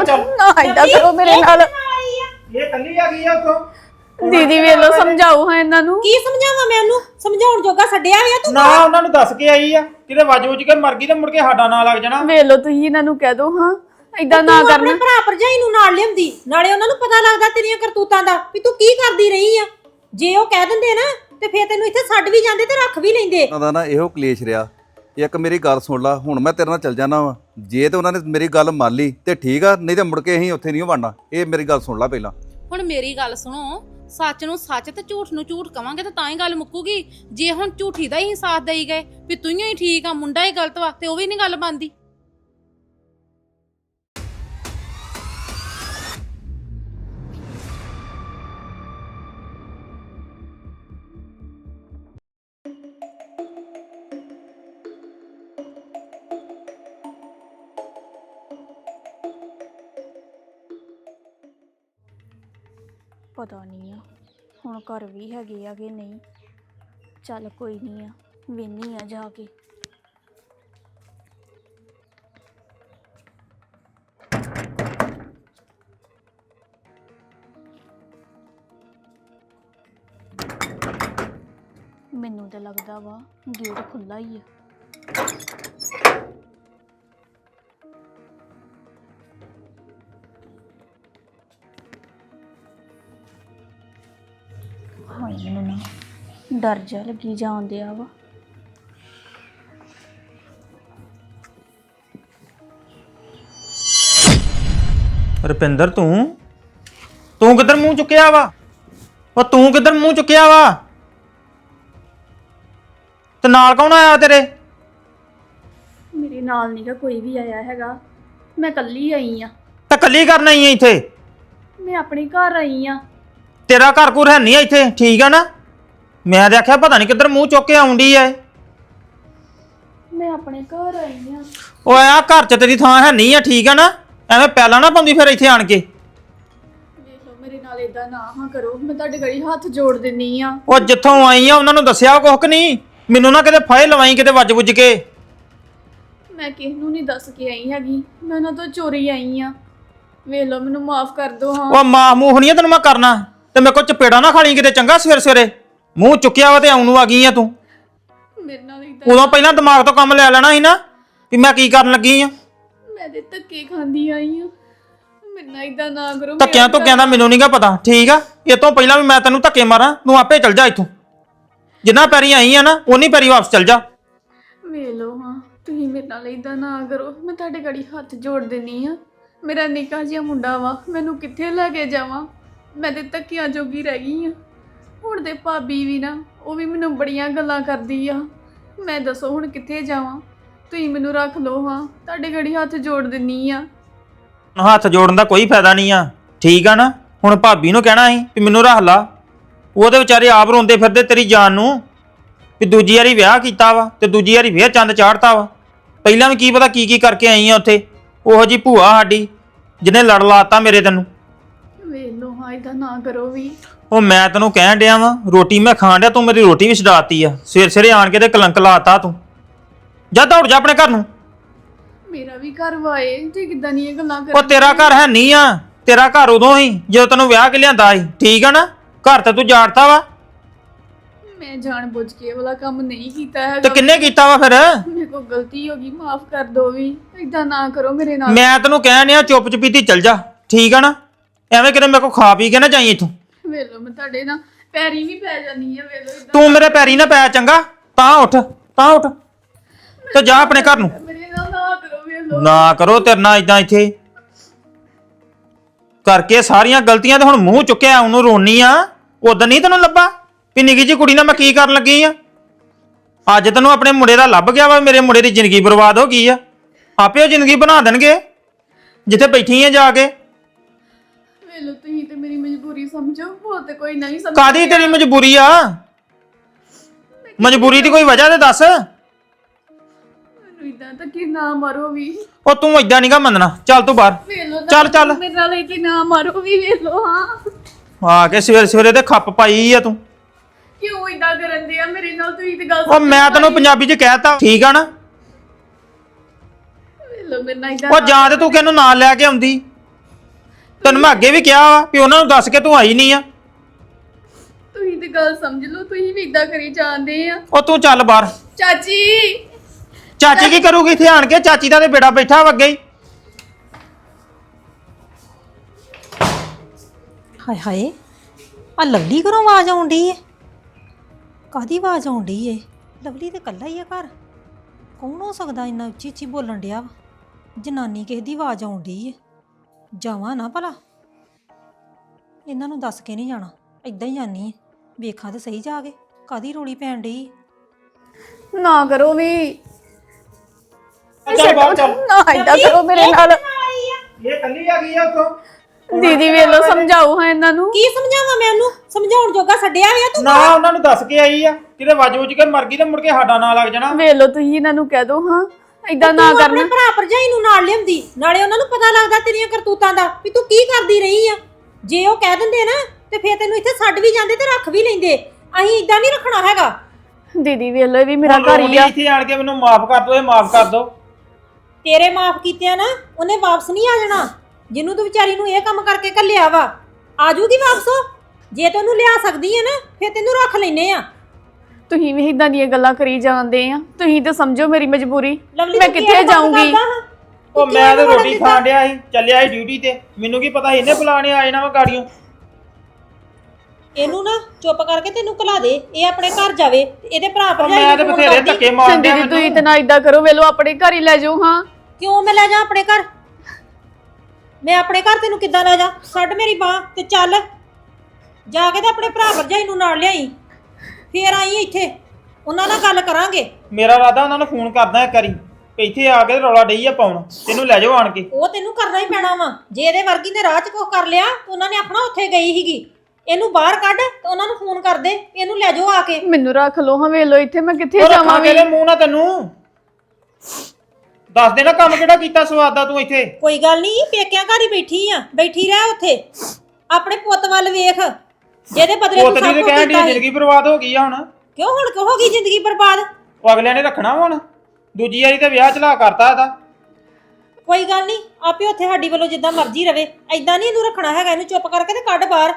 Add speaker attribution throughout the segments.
Speaker 1: ਚੱਲ
Speaker 2: ਨਾ ਇਦਾਂ ਕਰੋ ਮੇਰੇ ਨਾਲ।
Speaker 1: ਇਹ ਕੱਲੀ ਆ ਗਈ ਆ ਉੱਥੋਂ।
Speaker 2: ਦੀਦੀ ਵੇਖ ਲੋ ਸਮਝਾਓ ਹਾਂ ਇਹਨਾਂ ਨੂੰ।
Speaker 3: ਕੀ ਸਮਝਾਵਾਂ ਮੈਂ ਉਹਨੂੰ? ਸਮਝਾਉਣ ਜੋਗਾ ਛੱਡਿਆ ਹੋਇਆ ਤੂੰ?
Speaker 1: ਨਾ ਉਹਨਾਂ ਨੂੰ ਦੱਸ ਕੇ ਆਈ ਆ ਕਿਤੇ ਵੱਜ ਵੁੱਜ ਕੇ ਮਰ ਗਈ ਤੇ ਮੁੜ ਕੇ ਸਾਡਾ ਨਾਂ ਲੱਗ ਜਾਣਾ।
Speaker 2: ਵੇਖ ਲੋ ਤੁਸੀਂ ਇਹਨਾਂ ਨੂੰ ਕਹਿ ਦੋ ਹਾਂ ਇਦਾਂ ਨਾ
Speaker 3: ਤੂੰ ਆਪਣੇ
Speaker 2: ਕਰਨਾ।
Speaker 3: ਭਰਾ ਭਰਜਾਈ ਨੂੰ ਨਾਲ ਲਿਆਉਂਦੀ, ਨਾਲੇ ਉਹਨਾਂ ਨੂੰ ਪਤਾ ਲੱਗਦਾ ਤੇਰੀਆਂ ਕਰਤੂਤਾਂ ਦਾ ਵੀ ਤੂੰ ਕੀ ਕਰਦੀ ਰਹੀ ਆ। ਜੇ ਉਹ ਕਹਿ ਦਿੰਦੇ ਨਾ ਤੇ ਫੇਰ ਤੈਨੂੰ ਇੱਥੇ ਛੱਡ ਵੀ ਜਾਂਦੇ ਤੇ ਰੱਖ ਵੀ ਲੈਂਦੇ।
Speaker 4: ਉਹਨਾਂ ਦਾ ਨਾ ਇਹੋ ਕਲੇਸ਼ ਰਿਹਾ। ਇੱਕ ਮੇਰੀ ਗੱਲ ਸੁਣ ਲਾ, ਹੁਣ ਮੈਂ ਤੇਰੇ ਨਾਲ ਚੱਲ ਜਾਣਾ ਵਾ। ਜੇ ਤੇ ਉਹਨਾਂ ਨੇ ਮੇਰੀ ਗੱਲ ਮੰਨ ਲਈ ਤੇ ਠੀਕ ਆ, ਨਹੀਂ ਤੇ ਮੁੜ ਕੇ ਅਸੀਂ ਉੱਥੇ ਨਹੀਂ ਵੜਨਾ। ਇਹ ਮੇਰੀ ਗੱਲ ਸੁਣ ਲਾ ਪਹਿਲਾਂ।
Speaker 5: ਹੁਣ ਮੇਰੀ ਗੱਲ ਸੁਣੋ, ਸੱਚ ਨੂੰ ਸੱਚ ਤੇ ਝੂਠ ਨੂੰ ਝੂਠ ਕਵਾਂਗੇ ਤਾਂ ਹੀ ਗੱਲ ਮੁੱਕੂਗੀ। ਜੇ ਹੁਣ ਝੂਠੀ ਦਾ ਹੀ ਸਾਥ ਦੇਈ ਗਏ ਵੀ ਤੂੰ ਹੀ ਠੀਕ ਆ ਮੁੰਡਾ ਹੀ ਗਲਤ ਵਾ, ਤੇ ਉਹ ਵੀ ਨਹੀਂ ਗੱਲ ਬਣਦੀ।
Speaker 2: ਪਤਾ ਨਹੀਂ ਆ ਹੁਣ ਘਰ ਵੀ ਹੈਗੇ ਆ ਕਿ ਨਹੀਂ। ਚੱਲ ਕੋਈ ਨਹੀਂ ਆ, ਵੇਹਨੀ ਆ ਜਾ ਕੇ। ਮੈਨੂੰ ਤਾਂ ਲੱਗਦਾ ਵਾ ਗੇਟ ਖੁੱਲਾ ਹੀ ਆ। ਹਾਏ ਮੈਨੂੰ ਨਾ ਡਰ ਜਾ ਲੱਗੀ ਜਾਂਦੇ ਆ ਵਾ।
Speaker 1: ਰੁਪਿੰਦਰ ਤੂੰ ਕਿੱਧਰ ਮੂੰਹ ਚੁੱਕਿਆ ਵਾ? ਉਹ ਤੂੰ ਕਿੱਧਰ ਮੂੰਹ ਚੁੱਕਿਆ ਵਾ? ਤੇ ਨਾਲ ਕੌਣ ਆਇਆ ਤੇਰੇ?
Speaker 2: ਮੇਰੇ ਨਾਲ ਨਹੀਂ ਗਾ ਕੋਈ ਵੀ ਆਇਆ ਹੈਗਾ, ਮੈਂ ਇਕੱਲੀ ਆਈ ਆ।
Speaker 1: ਤੇ ਕੱਲੀ ਕਰਨ ਆਈ ਐ ਇੱਥੇ?
Speaker 2: ਮੈਂ ਆਪਣੇ ਘਰ ਆਈ ਆ।
Speaker 1: ਤੇਰਾ ਘਰ ਘੁਰ ਹੈ ਨਹੀਂ ਇੱਥੇ, ਠੀਕ ਆ ਨਾ? ਮੈਂ ਦੇਖਿਆ ਪਤਾ ਨਹੀਂ ਕਿੱਧਰ ਮੂੰਹ ਚੁੱਕ ਕੇ ਆਉਂਦੀ ਐ।
Speaker 2: ਮੈਂ ਆਪਣੇ ਘਰ ਆਈ ਆ।
Speaker 1: ਉਹ ਆ ਘਰ 'ਚ ਤੇਰੀ ਥਾਂ ਹੈ ਨਹੀਂ ਆ, ਠੀਕ ਆ ਨਾ? ਐਵੇਂ ਪਹਿਲਾਂ ਨਾ ਪਾਉਂਦੀ ਫਿਰ ਇੱਥੇ ਆਣ ਕੇ।
Speaker 2: ਵੇਖ ਲਓ ਮੇਰੇ ਨਾਲ ਇਦਾਂ ਨਾ ਹਾਂ ਕਰੋ, ਮੈਂ ਤੁਹਾਡੇ ਗੜੀ ਹੱਥ ਜੋੜ ਦਿੰਨੀ ਆ।
Speaker 1: ਉਹ ਜਿੱਥੋਂ ਆਈ ਆ ਉਹਨਾਂ ਨੂੰ ਦੱਸਿਆ ਕੁਛ ਨਹੀਂ? ਮੈਨੂੰ ਨਾ ਕਿਤੇ ਫਾਇਲ ਲਵਾਈ ਕਿਤੇ ਵੱਜ ਵੁੱਜ ਕੇ।
Speaker 2: ਮੈਂ ਕਿਸ ਨੂੰ ਨਹੀਂ ਦੱਸ ਕੇ ਆਈ ਹੈਗੀ, ਮੈਂ ਉਹਨਾਂ ਤੋਂ ਚੋਰੀ ਆਈ ਆ। ਵੇਖ ਲਓ ਮੈਨੂੰ ਮਾਫ ਕਰ ਦਿਓ। ਹਾਂ
Speaker 1: ਉਹ ਮਾਂ ਮੂੰਹ ਨਹੀਂ ਤੈਨੂੰ ਮੈਂ ਕਰਨਾ, ਤੇ ਮੇਰੇ ਕੋਲ ਚਪੇੜਾ ਨਾ ਖਾਲੀ ਕਿਤੇ, ਚੰਗਾ? ਸਵੇਰੇ ਸਵੇਰੇ ਮੂੰਹ ਚੁੱਕਿਆ ਵਾ ਤੇ ਆਉਣ ਨੂੰ ਆ ਗਈ ਆ ਤੂੰ।
Speaker 2: ਮੇਰੇ ਨਾਲ ਇਦਾਂ
Speaker 1: ਉਦੋਂ ਪਹਿਲਾਂ ਦਿਮਾਗ ਤੋਂ ਕੰਮ ਲੈ ਲੈਣਾ ਸੀ ਨਾ ਵੀ ਮੈਂ ਕੀ ਕਰਨ ਲੱਗੀ ਆ।
Speaker 2: ਮੈਂ ਤੇ ਧੱਕੇ ਖਾਂਦੀ ਆਈ ਆ। ਮੇਰੇ ਨਾਲ ਇਦਾਂ ਨਾ ਕਰੋ।
Speaker 1: ਧੱਕਿਆਂ ਤੋਂ ਕਹਿੰਦਾ ਮੈਨੂੰ ਨਹੀਂਗਾ ਪਤਾ, ਠੀਕ ਆ? ਇਹ ਤੋਂ ਪਹਿਲਾਂ ਵੀ ਮੈਂ ਤੈਨੂੰ ਧੱਕੇ ਮਾਰਾਂ, ਤੂੰ ਆਪੇ ਚੱਲ ਜਾ ਇੱਥੋਂ। ਜਿੰਨਾ ਪੈਰੀ ਆਈ ਆ ਨਾ ਉਨੀ ਪੈਰੀ ਵਾਪਸ ਚੱਲ ਜਾ।
Speaker 2: ਵੇਖ ਲਓ ਹਾਂ ਤੁਸੀਂ ਮੇਰੇ ਨਾਲ ਇਦਾਂ ਨਾ ਕਰੋ, ਮੈਂ ਤੁਹਾਡੇ ਗੜੀ ਹੱਥ ਜੋੜ ਦਿੰਨੀ ਆ। ਮੇਰਾ ਨਿੱਕਾ ਜਿਹਾ ਮੁੰਡਾ ਵਾ, ਮੈਨੂੰ ਕਿੱਥੇ ਲੈ ਕੇ ਜਾਵਾਂ? ਮੈਂ ਤੇ ਧੱਕਿਆਂ ਜੋਗੀ ਰਹਿ ਗਈ ਆ। ਹੁਣ ਤੇ ਭਾਬੀ ਵੀ ਨਾ, ਉਹ ਵੀ ਮੈਨੂੰ ਬੜੀਆਂ ਗੱਲਾਂ ਕਰਦੀ ਆ। ਮੈਂ ਦੱਸੋ ਹੁਣ ਕਿੱਥੇ ਜਾਵਾਂ? ਤੁਸੀਂ ਮੈਨੂੰ ਰੱਖ ਲਓ ਹਾਂ, ਤੁਹਾਡੇ ਗੜੀ ਹੱਥ ਜੋੜ ਦਿੰਨੀ ਆ।
Speaker 1: ਹੱਥ ਜੋੜਨ ਦਾ ਕੋਈ ਫਾਇਦਾ ਨਹੀਂ ਆ, ਠੀਕ ਆ ਨਾ? ਹੁਣ ਭਾਬੀ ਨੂੰ ਕਹਿਣਾ ਸੀ ਵੀ ਮੈਨੂੰ ਰੱਖ ਲਾ। ਉਹਦੇ ਵਿਚਾਰੇ ਆਪ ਰੋਂਦੇ ਫਿਰਦੇ ਤੇਰੀ ਜਾਨ ਨੂੰ ਵੀ ਦੂਜੀ ਵਾਰੀ ਵਿਆਹ ਕੀਤਾ ਵਾ ਤੇ ਦੂਜੀ ਵਾਰੀ ਫੇਰ ਚੰਦ ਚਾੜਤਾ ਵਾ। ਪਹਿਲਾਂ ਵੀ ਕੀ ਪਤਾ ਕੀ ਕੀ ਕਰਕੇ ਆਈ ਆ ਉੱਥੇ। ਉਹੋ ਜੀ ਭੂਆ ਸਾਡੀ ਜਿਹਨੇ ਲੜ ਲਾਤਾ ਮੇਰੇ ਤੈਨੂੰ।
Speaker 2: ਵੇਖ ਲਓ ਹਾਂ ਇਦਾਂ ਨਾ ਕਰੋ ਵੀ।
Speaker 1: ਉਹ ਮੈਂ ਤੈਨੂੰ ਕਹਿਣ ਡਿਆ ਵਾਂ, ਰੋਟੀ ਮੈਂ ਖਾਣ ਡਿਆ, ਤੂੰ ਮੇਰੀ ਰੋਟੀ ਵੀ ਛਡਾਤੀ ਆ। ਸਵੇਰੇ ਸਵੇਰੇ ਆਣ ਕੇ ਤੇ ਕਲੰਕ ਲਾਤਾ ਤੂੰ। ਜਾ ਦੌੜ ਜਾ ਆਪਣੇ ਘਰ ਨੂੰ।
Speaker 2: ਮੇਰਾ ਵੀ ਘਰ ਵਾਏ ਤੇ ਕਿੱਦਾਂ ਦੀਆਂ ਗੱਲਾਂ ਕਰ।
Speaker 1: ਉਹ ਤੇਰਾ ਘਰ ਹੈ ਨਹੀਂ ਆ, ਤੇਰਾ ਘਰ ਉਦੋਂ ਹੀ ਜਦੋਂ ਤੈਨੂੰ ਵਿਆਹ ਕੇ ਲਿਆਂਦਾ ਸੀ, ਠੀਕ ਆ ਨਾ? ਘਰ ਤੇ ਤੂੰ ਜਾੜਤਾ ਵਾ।
Speaker 2: ਮੈਂ ਜਾਣ ਬੁੱਝ ਕੇ ਇਹ ਵਾਲਾ ਕੰਮ ਨਹੀਂ ਕੀਤਾ ਹੈਗਾ।
Speaker 1: ਤੇ ਕਿੰਨੇ ਕੀਤਾ ਵਾ ਫਿਰ?
Speaker 2: ਮੇਰੇ ਕੋਲ ਗਲਤੀ ਹੋ ਗਈ, ਮਾਫ ਕਰ ਦਿਓ ਵੀ। ਇਦਾਂ ਨਾ ਕਰੋ ਮੇਰੇ ਨਾਲ।
Speaker 1: ਮੈਂ ਤੈਨੂੰ ਕਹਿਣ ਡਿਆ ਚੁੱਪ ਚਪੀਤੀ ਚੱਲ ਜਾ, ਠੀਕ ਆ ਨਾ? ਐਵੇਂ ਕਿਤੇ ਮੇਰੇ ਕੋਲ ਖਾ ਪੀ ਕੇ ਨਾ ਜਾਈ ਇੱਥੋਂ।
Speaker 2: ਵੇਖ ਲਓ ਮੈਂ ਤੁਹਾਡੇ ਨਾਲ ਪੈਰੀ ਵੀ ਪੈ ਜਾਨੀ ਆ। ਵੇਖ ਲਓ ਇਦਾਂ
Speaker 1: ਤੂੰ ਮੇਰੇ ਪੈਰੀ ਨਾ ਪੈ, ਚੰਗਾ? ਤਾਂ ਉੱਠ ਤੇ ਜਾ ਆਪਣੇ ਘਰ ਨੂੰ।
Speaker 2: ਮੇਰੇ ਨਾਲ ਨਾ ਕਰੋ। ਵੇਖ ਲਓ
Speaker 1: ਨਾ ਕਰੋ ਤੇਰੇ ਨਾਲ ਇਦਾਂ ਇੱਥੇ ਕਰਕੇ ਸਾਰੀਆਂ ਗਲਤੀਆਂ ਤੇ ਹੁਣ ਮੂੰਹ ਚੁੱਕਿਆ ਉਹਨੂੰ ਰੋਣੀ ਆ। ਉਦੋਂ ਨਹੀਂ ਤੈਨੂੰ ਲੱਭਾ ਵੀ ਨਿੱਕੀ ਜਿਹੀ ਕੁੜੀ ਨਾਲ ਮੈਂ ਕੀ ਕਰਨ ਲੱਗੀ ਆ? ਅੱਜ ਤੈਨੂੰ ਆਪਣੇ ਮੁੰਡੇ ਦਾ ਲੱਭ ਗਿਆ ਵਾ। ਮੇਰੇ ਮੁੰਡੇ ਦੀ ਜ਼ਿੰਦਗੀ ਬਰਬਾਦ ਹੋ ਗਈ ਆ। ਆਪੇ ਉਹ ਜ਼ਿੰਦਗੀ ਬਣਾ ਦੇਣਗੇ ਜਿੱਥੇ ਬੈਠੀ ਆ ਜਾ ਕੇ।
Speaker 2: ਵੇਖ ਲਓ ਤੁਸੀਂ ਤੇ ਮੇਰੀ ਮਜਬੂਰੀ ਸਮਝੋ, ਹੋਰ ਤੇ ਕੋਈ ਨਹੀਂ ਸਮਝ।
Speaker 1: ਕਾਦੀ ਤੇਰੀ ਮਜਬੂਰੀ ਆ? ਮਜਬੂਰੀ ਦੀ ਕੋਈ ਵਜ੍ਹਾ ਤੇ ਦੱਸ।
Speaker 2: ਮੈਨੂੰ ਇਦਾਂ ਤਾਂ ਕਿ ਨਾ ਮਾਰੋ ਵੀ।
Speaker 1: ਉਹ ਤੂੰ ਏਦਾਂ ਨਹੀਂਗਾ ਮੰਨਣਾ, ਚੱਲ ਤੂੰ ਬਾਹਰ।
Speaker 2: ਵੇਖ ਲਓ
Speaker 1: ਚੱਲ
Speaker 2: ਮੇਰੇ ਨਾਲ ਇਹ ਕਿ ਨਾ ਮਾਰੋ ਵੀ। ਵੇਖ ਲਓ ਹਾਂ
Speaker 1: ਆ ਕੇ ਸਵੇਰੇ ਸਵੇਰੇ ਤੇ ਖੱਪ ਪਾਈ ਆ ਤੂੰ।
Speaker 2: ਕਿਉਂ ਇਦਾਂ ਕਰਨ ਦੇ ਆ ਮੇਰੇ ਨਾਲ? ਤੁਸੀਂ ਤੇ ਗੱਲ
Speaker 1: ਉਹ ਮੈਂ ਤੈਨੂੰ ਪੰਜਾਬੀ ਚ ਕਹਿਤਾ, ਠੀਕ ਆ ਨਾ?
Speaker 2: ਵੇਖ ਲਓ ਮੇਰੇ ਨਾਲ ਇਦਾਂ।
Speaker 1: ਉਹ ਜਾਂ ਤੇ ਤੂੰ ਕਿਹਨੂੰ ਨਾਲ ਲੈ ਕੇ ਆਉਂਦੀ, ਤੈਨੂੰ ਮੈਂ ਅੱਗੇ ਵੀ ਕਿਹਾ ਵਾ ਵੀ ਉਹਨਾਂ ਨੂੰ ਦੱਸ ਕੇ ਤੂੰ ਆਈ ਨਹੀਂ ਆ।
Speaker 2: ਤੁਸੀਂ ਤੇ ਗੱਲ ਸਮਝ ਲਓ, ਤੁਸੀਂ ਵੀ ਇਦਾਂ ਕਰੀ ਜਾਂਦੇ ਆ।
Speaker 1: ਉਹ ਤੂੰ ਚੱਲ ਬਾਹਰ।
Speaker 2: ਚਾਚੀ
Speaker 1: ਚਾਚੀ ਕੀ ਕਰੂਗੀ ਇੱਥੇ ਆਣ ਕੇ? ਚਾਚੀ ਦਾ ਤੇ ਬੇੜਾ ਬੈਠਾ ਵਾ ਅੱਗੇ ਹੀ।
Speaker 3: ਹਾਏ ਹਾਏ, ਆ ਲਵਲੀ ਘਰੋਂ ਆਵਾਜ਼ ਆਉਣ ਡਈ ਏ। ਕਾਹਦੀ ਆਵਾਜ਼ ਆਉਣ ਡਈ ਏ? ਲਵਲੀ ਤੇ ਇਕੱਲਾ ਹੀ ਆ ਘਰ। ਕੌਣ ਹੋ ਸਕਦਾ ਇੰਨਾ ਉੱਚੀ ਉੱਚੀ ਬੋਲਣ ਡਿਆ ਵਾ? ਜਨਾਨੀ ਕਿਸੇ ਦੀ ਆਵਾਜ਼ ਆਉਣ ਡਈ ਏ। ਜਾਵਾਂ ਨਾ ਭਲਾ, ਇਹਨਾਂ ਨੂੰ ਦੱਸ ਕੇ ਨਹੀਂ ਜਾਣਾ, ਏਦਾਂ ਹੀ ਜਾਨੀ ਏ। ਵੇਖਾਂ ਤੇ ਸਹੀ ਜਾ ਕੇ ਕਾਹਦੀ ਰੋਲੀ ਪੈਣ ਡਈ ਏ।
Speaker 2: ਨਾ ਕਰੋ ਵੀ,
Speaker 1: ਚੱਲ ਬਾਹਰ ਚੱਲ।
Speaker 2: ਨਾ ਏਦਾਂ ਕਰੋ ਮੇਰੇ ਨਾਲ।
Speaker 1: ਇਹ ਕੱਲੀ ਆ ਗਈ ਆ ਉੱਥੋਂ।
Speaker 2: ਦੀਦੀ ਵੇਖ ਲਓ, ਸਮਝਾਓ ਹਾਂ ਇਹਨਾਂ ਨੂੰ।
Speaker 3: ਕੀ ਸਮਝਾਵਾਂ ਮੈਂ ਉਹਨੂੰ? ਸਮਝਾਉਣ ਜੋਗਾ ਛੱਡਿਆ ਹੋਇਆ ਤੂੰ?
Speaker 1: ਨਾ ਉਹਨਾਂ ਨੂੰ ਦੱਸ ਕੇ ਆਈ ਆ, ਕਿਤੇ ਵੱਜ ਵੁੱਜ ਕੇ ਮਰ ਗਈ ਤੇ ਮੁੜ ਕੇ ਸਾਡਾ ਨਾਂ ਲੱਗ ਜਾਣਾ।
Speaker 2: ਵੇਖ ਲਓ, ਤੁਸੀਂ ਇਹਨਾਂ ਨੂੰ ਕਹਿ ਦਿਓ ਹਾਂ ਏਦਾਂ ਨਾ
Speaker 3: ਤੂੰ ਆਪਣੇ
Speaker 2: ਕਰਨਾ।
Speaker 3: ਭਰਾ ਭਰਜਾਈ ਨੂੰ ਨਾਲ ਲਿਆਉਂਦੀ, ਨਾਲੇ ਉਹਨਾਂ ਨੂੰ ਪਤਾ ਲੱਗਦਾ ਤੇਰੀਆਂ ਕਰਤੂਤਾਂ ਦਾ ਵੀ ਤੂੰ ਕੀ ਕਰਦੀ ਰਹੀ ਆ। ਜੇ ਉਹ ਕਹਿ ਦਿੰਦੇ ਨਾ ਤੇ ਫੇਰ ਤੈਨੂੰ ਇੱਥੇ ਛੱਡ ਵੀ ਜਾਂਦੇ ਤੇ ਰੱਖ ਵੀ ਲੈਂਦੇ। ਅਸੀਂ ਇਦਾਂ ਨਹੀਂ ਰੱਖਣਾ ਹੈਗਾ।
Speaker 2: ਦੀਦੀ ਵੇਖ ਲਓ, ਇਹ ਵੀ ਮੇਰਾ ਘਰ ਹੀ ਆ।
Speaker 1: ਇੱਥੇ ਆਣ ਕੇ ਮੈਨੂੰ ਮਾਫ ਕਰ ਦੋ, ਇਹ ਮਾਫ ਕਰ ਦੋ।
Speaker 3: ਤੇਰੇ ਮਾਫ ਕੀਤਿਆਂ ਨਾ ਉਹਨੇ ਵਾਪਸ ਨਹੀਂ ਆ ਜਾਣਾ। ਜਿਹਨੂੰ ਤੂੰ ਵਿਚਾਰੀ ਨੂੰ ਇਹ ਕੰਮ ਕਰਕੇ ਘੱਲਿਆ ਵਾ, ਆ ਜੂਗੀ ਵਾਪਸ ਉਹ। ਜੇ ਤੈਨੂੰ ਲਿਆ ਸਕਦੀ ਹੈ ਨਾ ਫੇਰ ਤੈਨੂੰ ਰੱਖ ਲੈਨੇ ਆ।
Speaker 2: ਤੁਸੀਂ ਵੀ ਇਦਾਂ ਦੀਆਂ ਗੱਲਾਂ ਕਰੀ ਜਾਂਦੇ ਆ। ਤੁਸੀਂ ਤੇ ਸਮਝੋ ਮੇਰੀ ਮਜਬੂਰੀ,
Speaker 3: ਲਵਲੀ
Speaker 2: ਮੈਂ
Speaker 3: ਤੂੰ
Speaker 2: ਕਿੱਥੇ
Speaker 3: ਕੀ ਕੰਮ
Speaker 2: ਜਾਊਂਗੀ?
Speaker 3: ਕਰਦਾ ਹਾਂ?
Speaker 1: ਉਹ ਮੈਂ ਤੇ ਰੋਟੀ ਖਾਣ ਡਿਆ ਸੀ, ਚੱਲਿਆ ਸੀ ਡਿਊਟੀ ਤੇ। ਮੈਨੂੰ ਕੀ ਪਤਾ ਸੀ ਇਹਨੇ ਬੁਲਾਣੇ ਆ ਜਾਣਾ ਵਾ ਗਾੜੀਆਂ।
Speaker 3: ਇਹਨੂੰ ਨਾ ਚੁੱਪ ਕਰਕੇ ਤੈਨੂੰ ਘਲਾ ਦੇ, ਇਹ ਆਪਣੇ ਘਰ ਜਾਵੇ ਤੇ ਇਹਦੇ ਭਰਾ ਭਰਜਾਈ
Speaker 1: ਮੈਂ ਤੇ
Speaker 3: ਨੂੰ
Speaker 1: ਬਥੇਰੇ ਧੱਕੇ ਮਾਰਦੇ ਆ
Speaker 2: ਦੀਦੀ ਤੁਸੀਂ ਤੇ
Speaker 1: ਮੈਨੂੰ।
Speaker 2: ਨਾ ਇਦਾਂ ਕਰੋ। ਵੇਖ ਲਓ, ਆਪਣੇ ਘਰ ਹੀ ਲੈ ਜਾਓ ਹਾਂ।
Speaker 3: ਕਿਉਂ ਮੈਂ ਲੈ ਜਾ ਆਪਣੇ ਘਰ? ਮੈਂ ਆਪਣੇ ਘਰ ਤੈਨੂੰ ਕਿੱਦਾਂ ਲੈ ਜਾ? ਛੱਡ ਮੇਰੀ ਬਾਂਹ ਤੇ ਚੱਲ ਜਾ ਕੇ ਤੇ ਆਪਣੇ ਭਰਾ ਭਰਜਾਈ ਨੂੰ ਨਾਲ ਲਿਆਈ, ਫੇਰ ਆਈ ਇੱਥੇ, ਉਹਨਾਂ ਨਾਲ ਗੱਲ ਕਰਾਂਗੇ।
Speaker 1: ਮੇਰਾ ਇਰਾਦਾ ਉਹਨਾਂ ਨੂੰ ਫੋਨ ਕਰਦਾ ਇੱਕ ਵਾਰੀ, ਇੱਥੇ ਆ ਕੇ ਰੌਲਾ ਡਈ ਆ ਪਾਉਣ, ਤੈਨੂੰ ਲੈ ਜਾਓ ਆਣ ਕੇ।
Speaker 3: ਉਹ ਤੈਨੂੰ ਕਰਨਾ ਹੀ ਪੈਣਾ ਵਾ। ਜੇ ਇਹਦੇ ਵਰਗੀ ਨੇ ਰਾਹ 'ਚ ਕੁਛ ਕਰ ਲਿਆ ਤਾਂ ਉਹਨਾਂ ਨੇ ਆਖਣਾ ਉੱਥੇ ਗਈ ਸੀਗੀ। ਇਹਨੂੰ ਬਾਹਰ ਕੱਢ ਤੇ ਉਹਨਾਂ ਨੂੰ ਫੋਨ ਕਰ ਦੇ, ਇਹਨੂੰ ਲੈ ਜਾਓ ਆ ਕੇ।
Speaker 2: ਮੈਨੂੰ ਰੱਖ ਲਓ ਹਾਂ। ਵੇਖ ਲਓ, ਇੱਥੇ ਮੈਂ ਕਿੱਥੇ
Speaker 1: ਉਹ
Speaker 2: ਜਾਵਾਂ
Speaker 1: ਰੱਖਾਂ
Speaker 2: ਵੀ?
Speaker 1: ਤੇਰੇ ਮੂੰਹ ਨਾਲ ਤੈਨੂੰ ਦੱਸ ਦੇਣਾ ਕੰਮ ਕਿਹੜਾ ਕੀਤਾ ਸਵਾਦ ਦਾ ਤੂੰ ਇੱਥੇ।
Speaker 3: ਕੋਈ ਗੱਲ ਨਹੀਂ, ਪੇਕਿਆਂ ਘਰ ਹੀ ਬੈਠੀ ਆ, ਬੈਠੀ ਰਹਿ ਉੱਥੇ। ਆਪਣੇ ਪੁੱਤ ਵੱਲ ਵੇਖ, ਜਿਹਦੇ ਬਦਲੇ ਤੂੰ
Speaker 1: ਪੁੱਤ ਦੀ
Speaker 3: ਸਭ
Speaker 1: ਤੇ
Speaker 3: ਕੁਝ
Speaker 1: ਕਹਿਣ ਦੀ
Speaker 3: ਕੀਤਾ ਸੀ।
Speaker 1: ਜ਼ਿੰਦਗੀ ਬਰਬਾਦ ਹੋ ਗਈ ਆ ਹੁਣ।
Speaker 3: ਕਿਉਂ ਹੁਣ ਹੋ ਗਈ ਜ਼ਿੰਦਗੀ ਬਰਬਾਦ?
Speaker 1: ਉਹ ਅਗਲਿਆਂ ਨੇ ਰੱਖਣਾ ਵਾ ਹੁਣ। ਦੂਜੀ ਵਾਰੀ ਤੇ ਵਿਆਹ ਚਲਾ ਕਰਤਾ ਇਹਦਾ।
Speaker 3: ਕੋਈ ਗੱਲ ਨਹੀਂ, ਆਪੇ ਉੱਥੇ ਸਾਡੀ ਵੱਲੋਂ ਜਿੱਦਾਂ ਮਰਜ਼ੀ ਰਵੇ। ਐਦਾਂ ਨਹੀਂ ਇਹਨੂੰ ਰੱਖਣਾ ਹੈਗਾ। ਇਹਨੂੰ ਚੁੱਪ ਕਰਕੇ ਤੇ ਕੱਢ ਬਾਹਰ।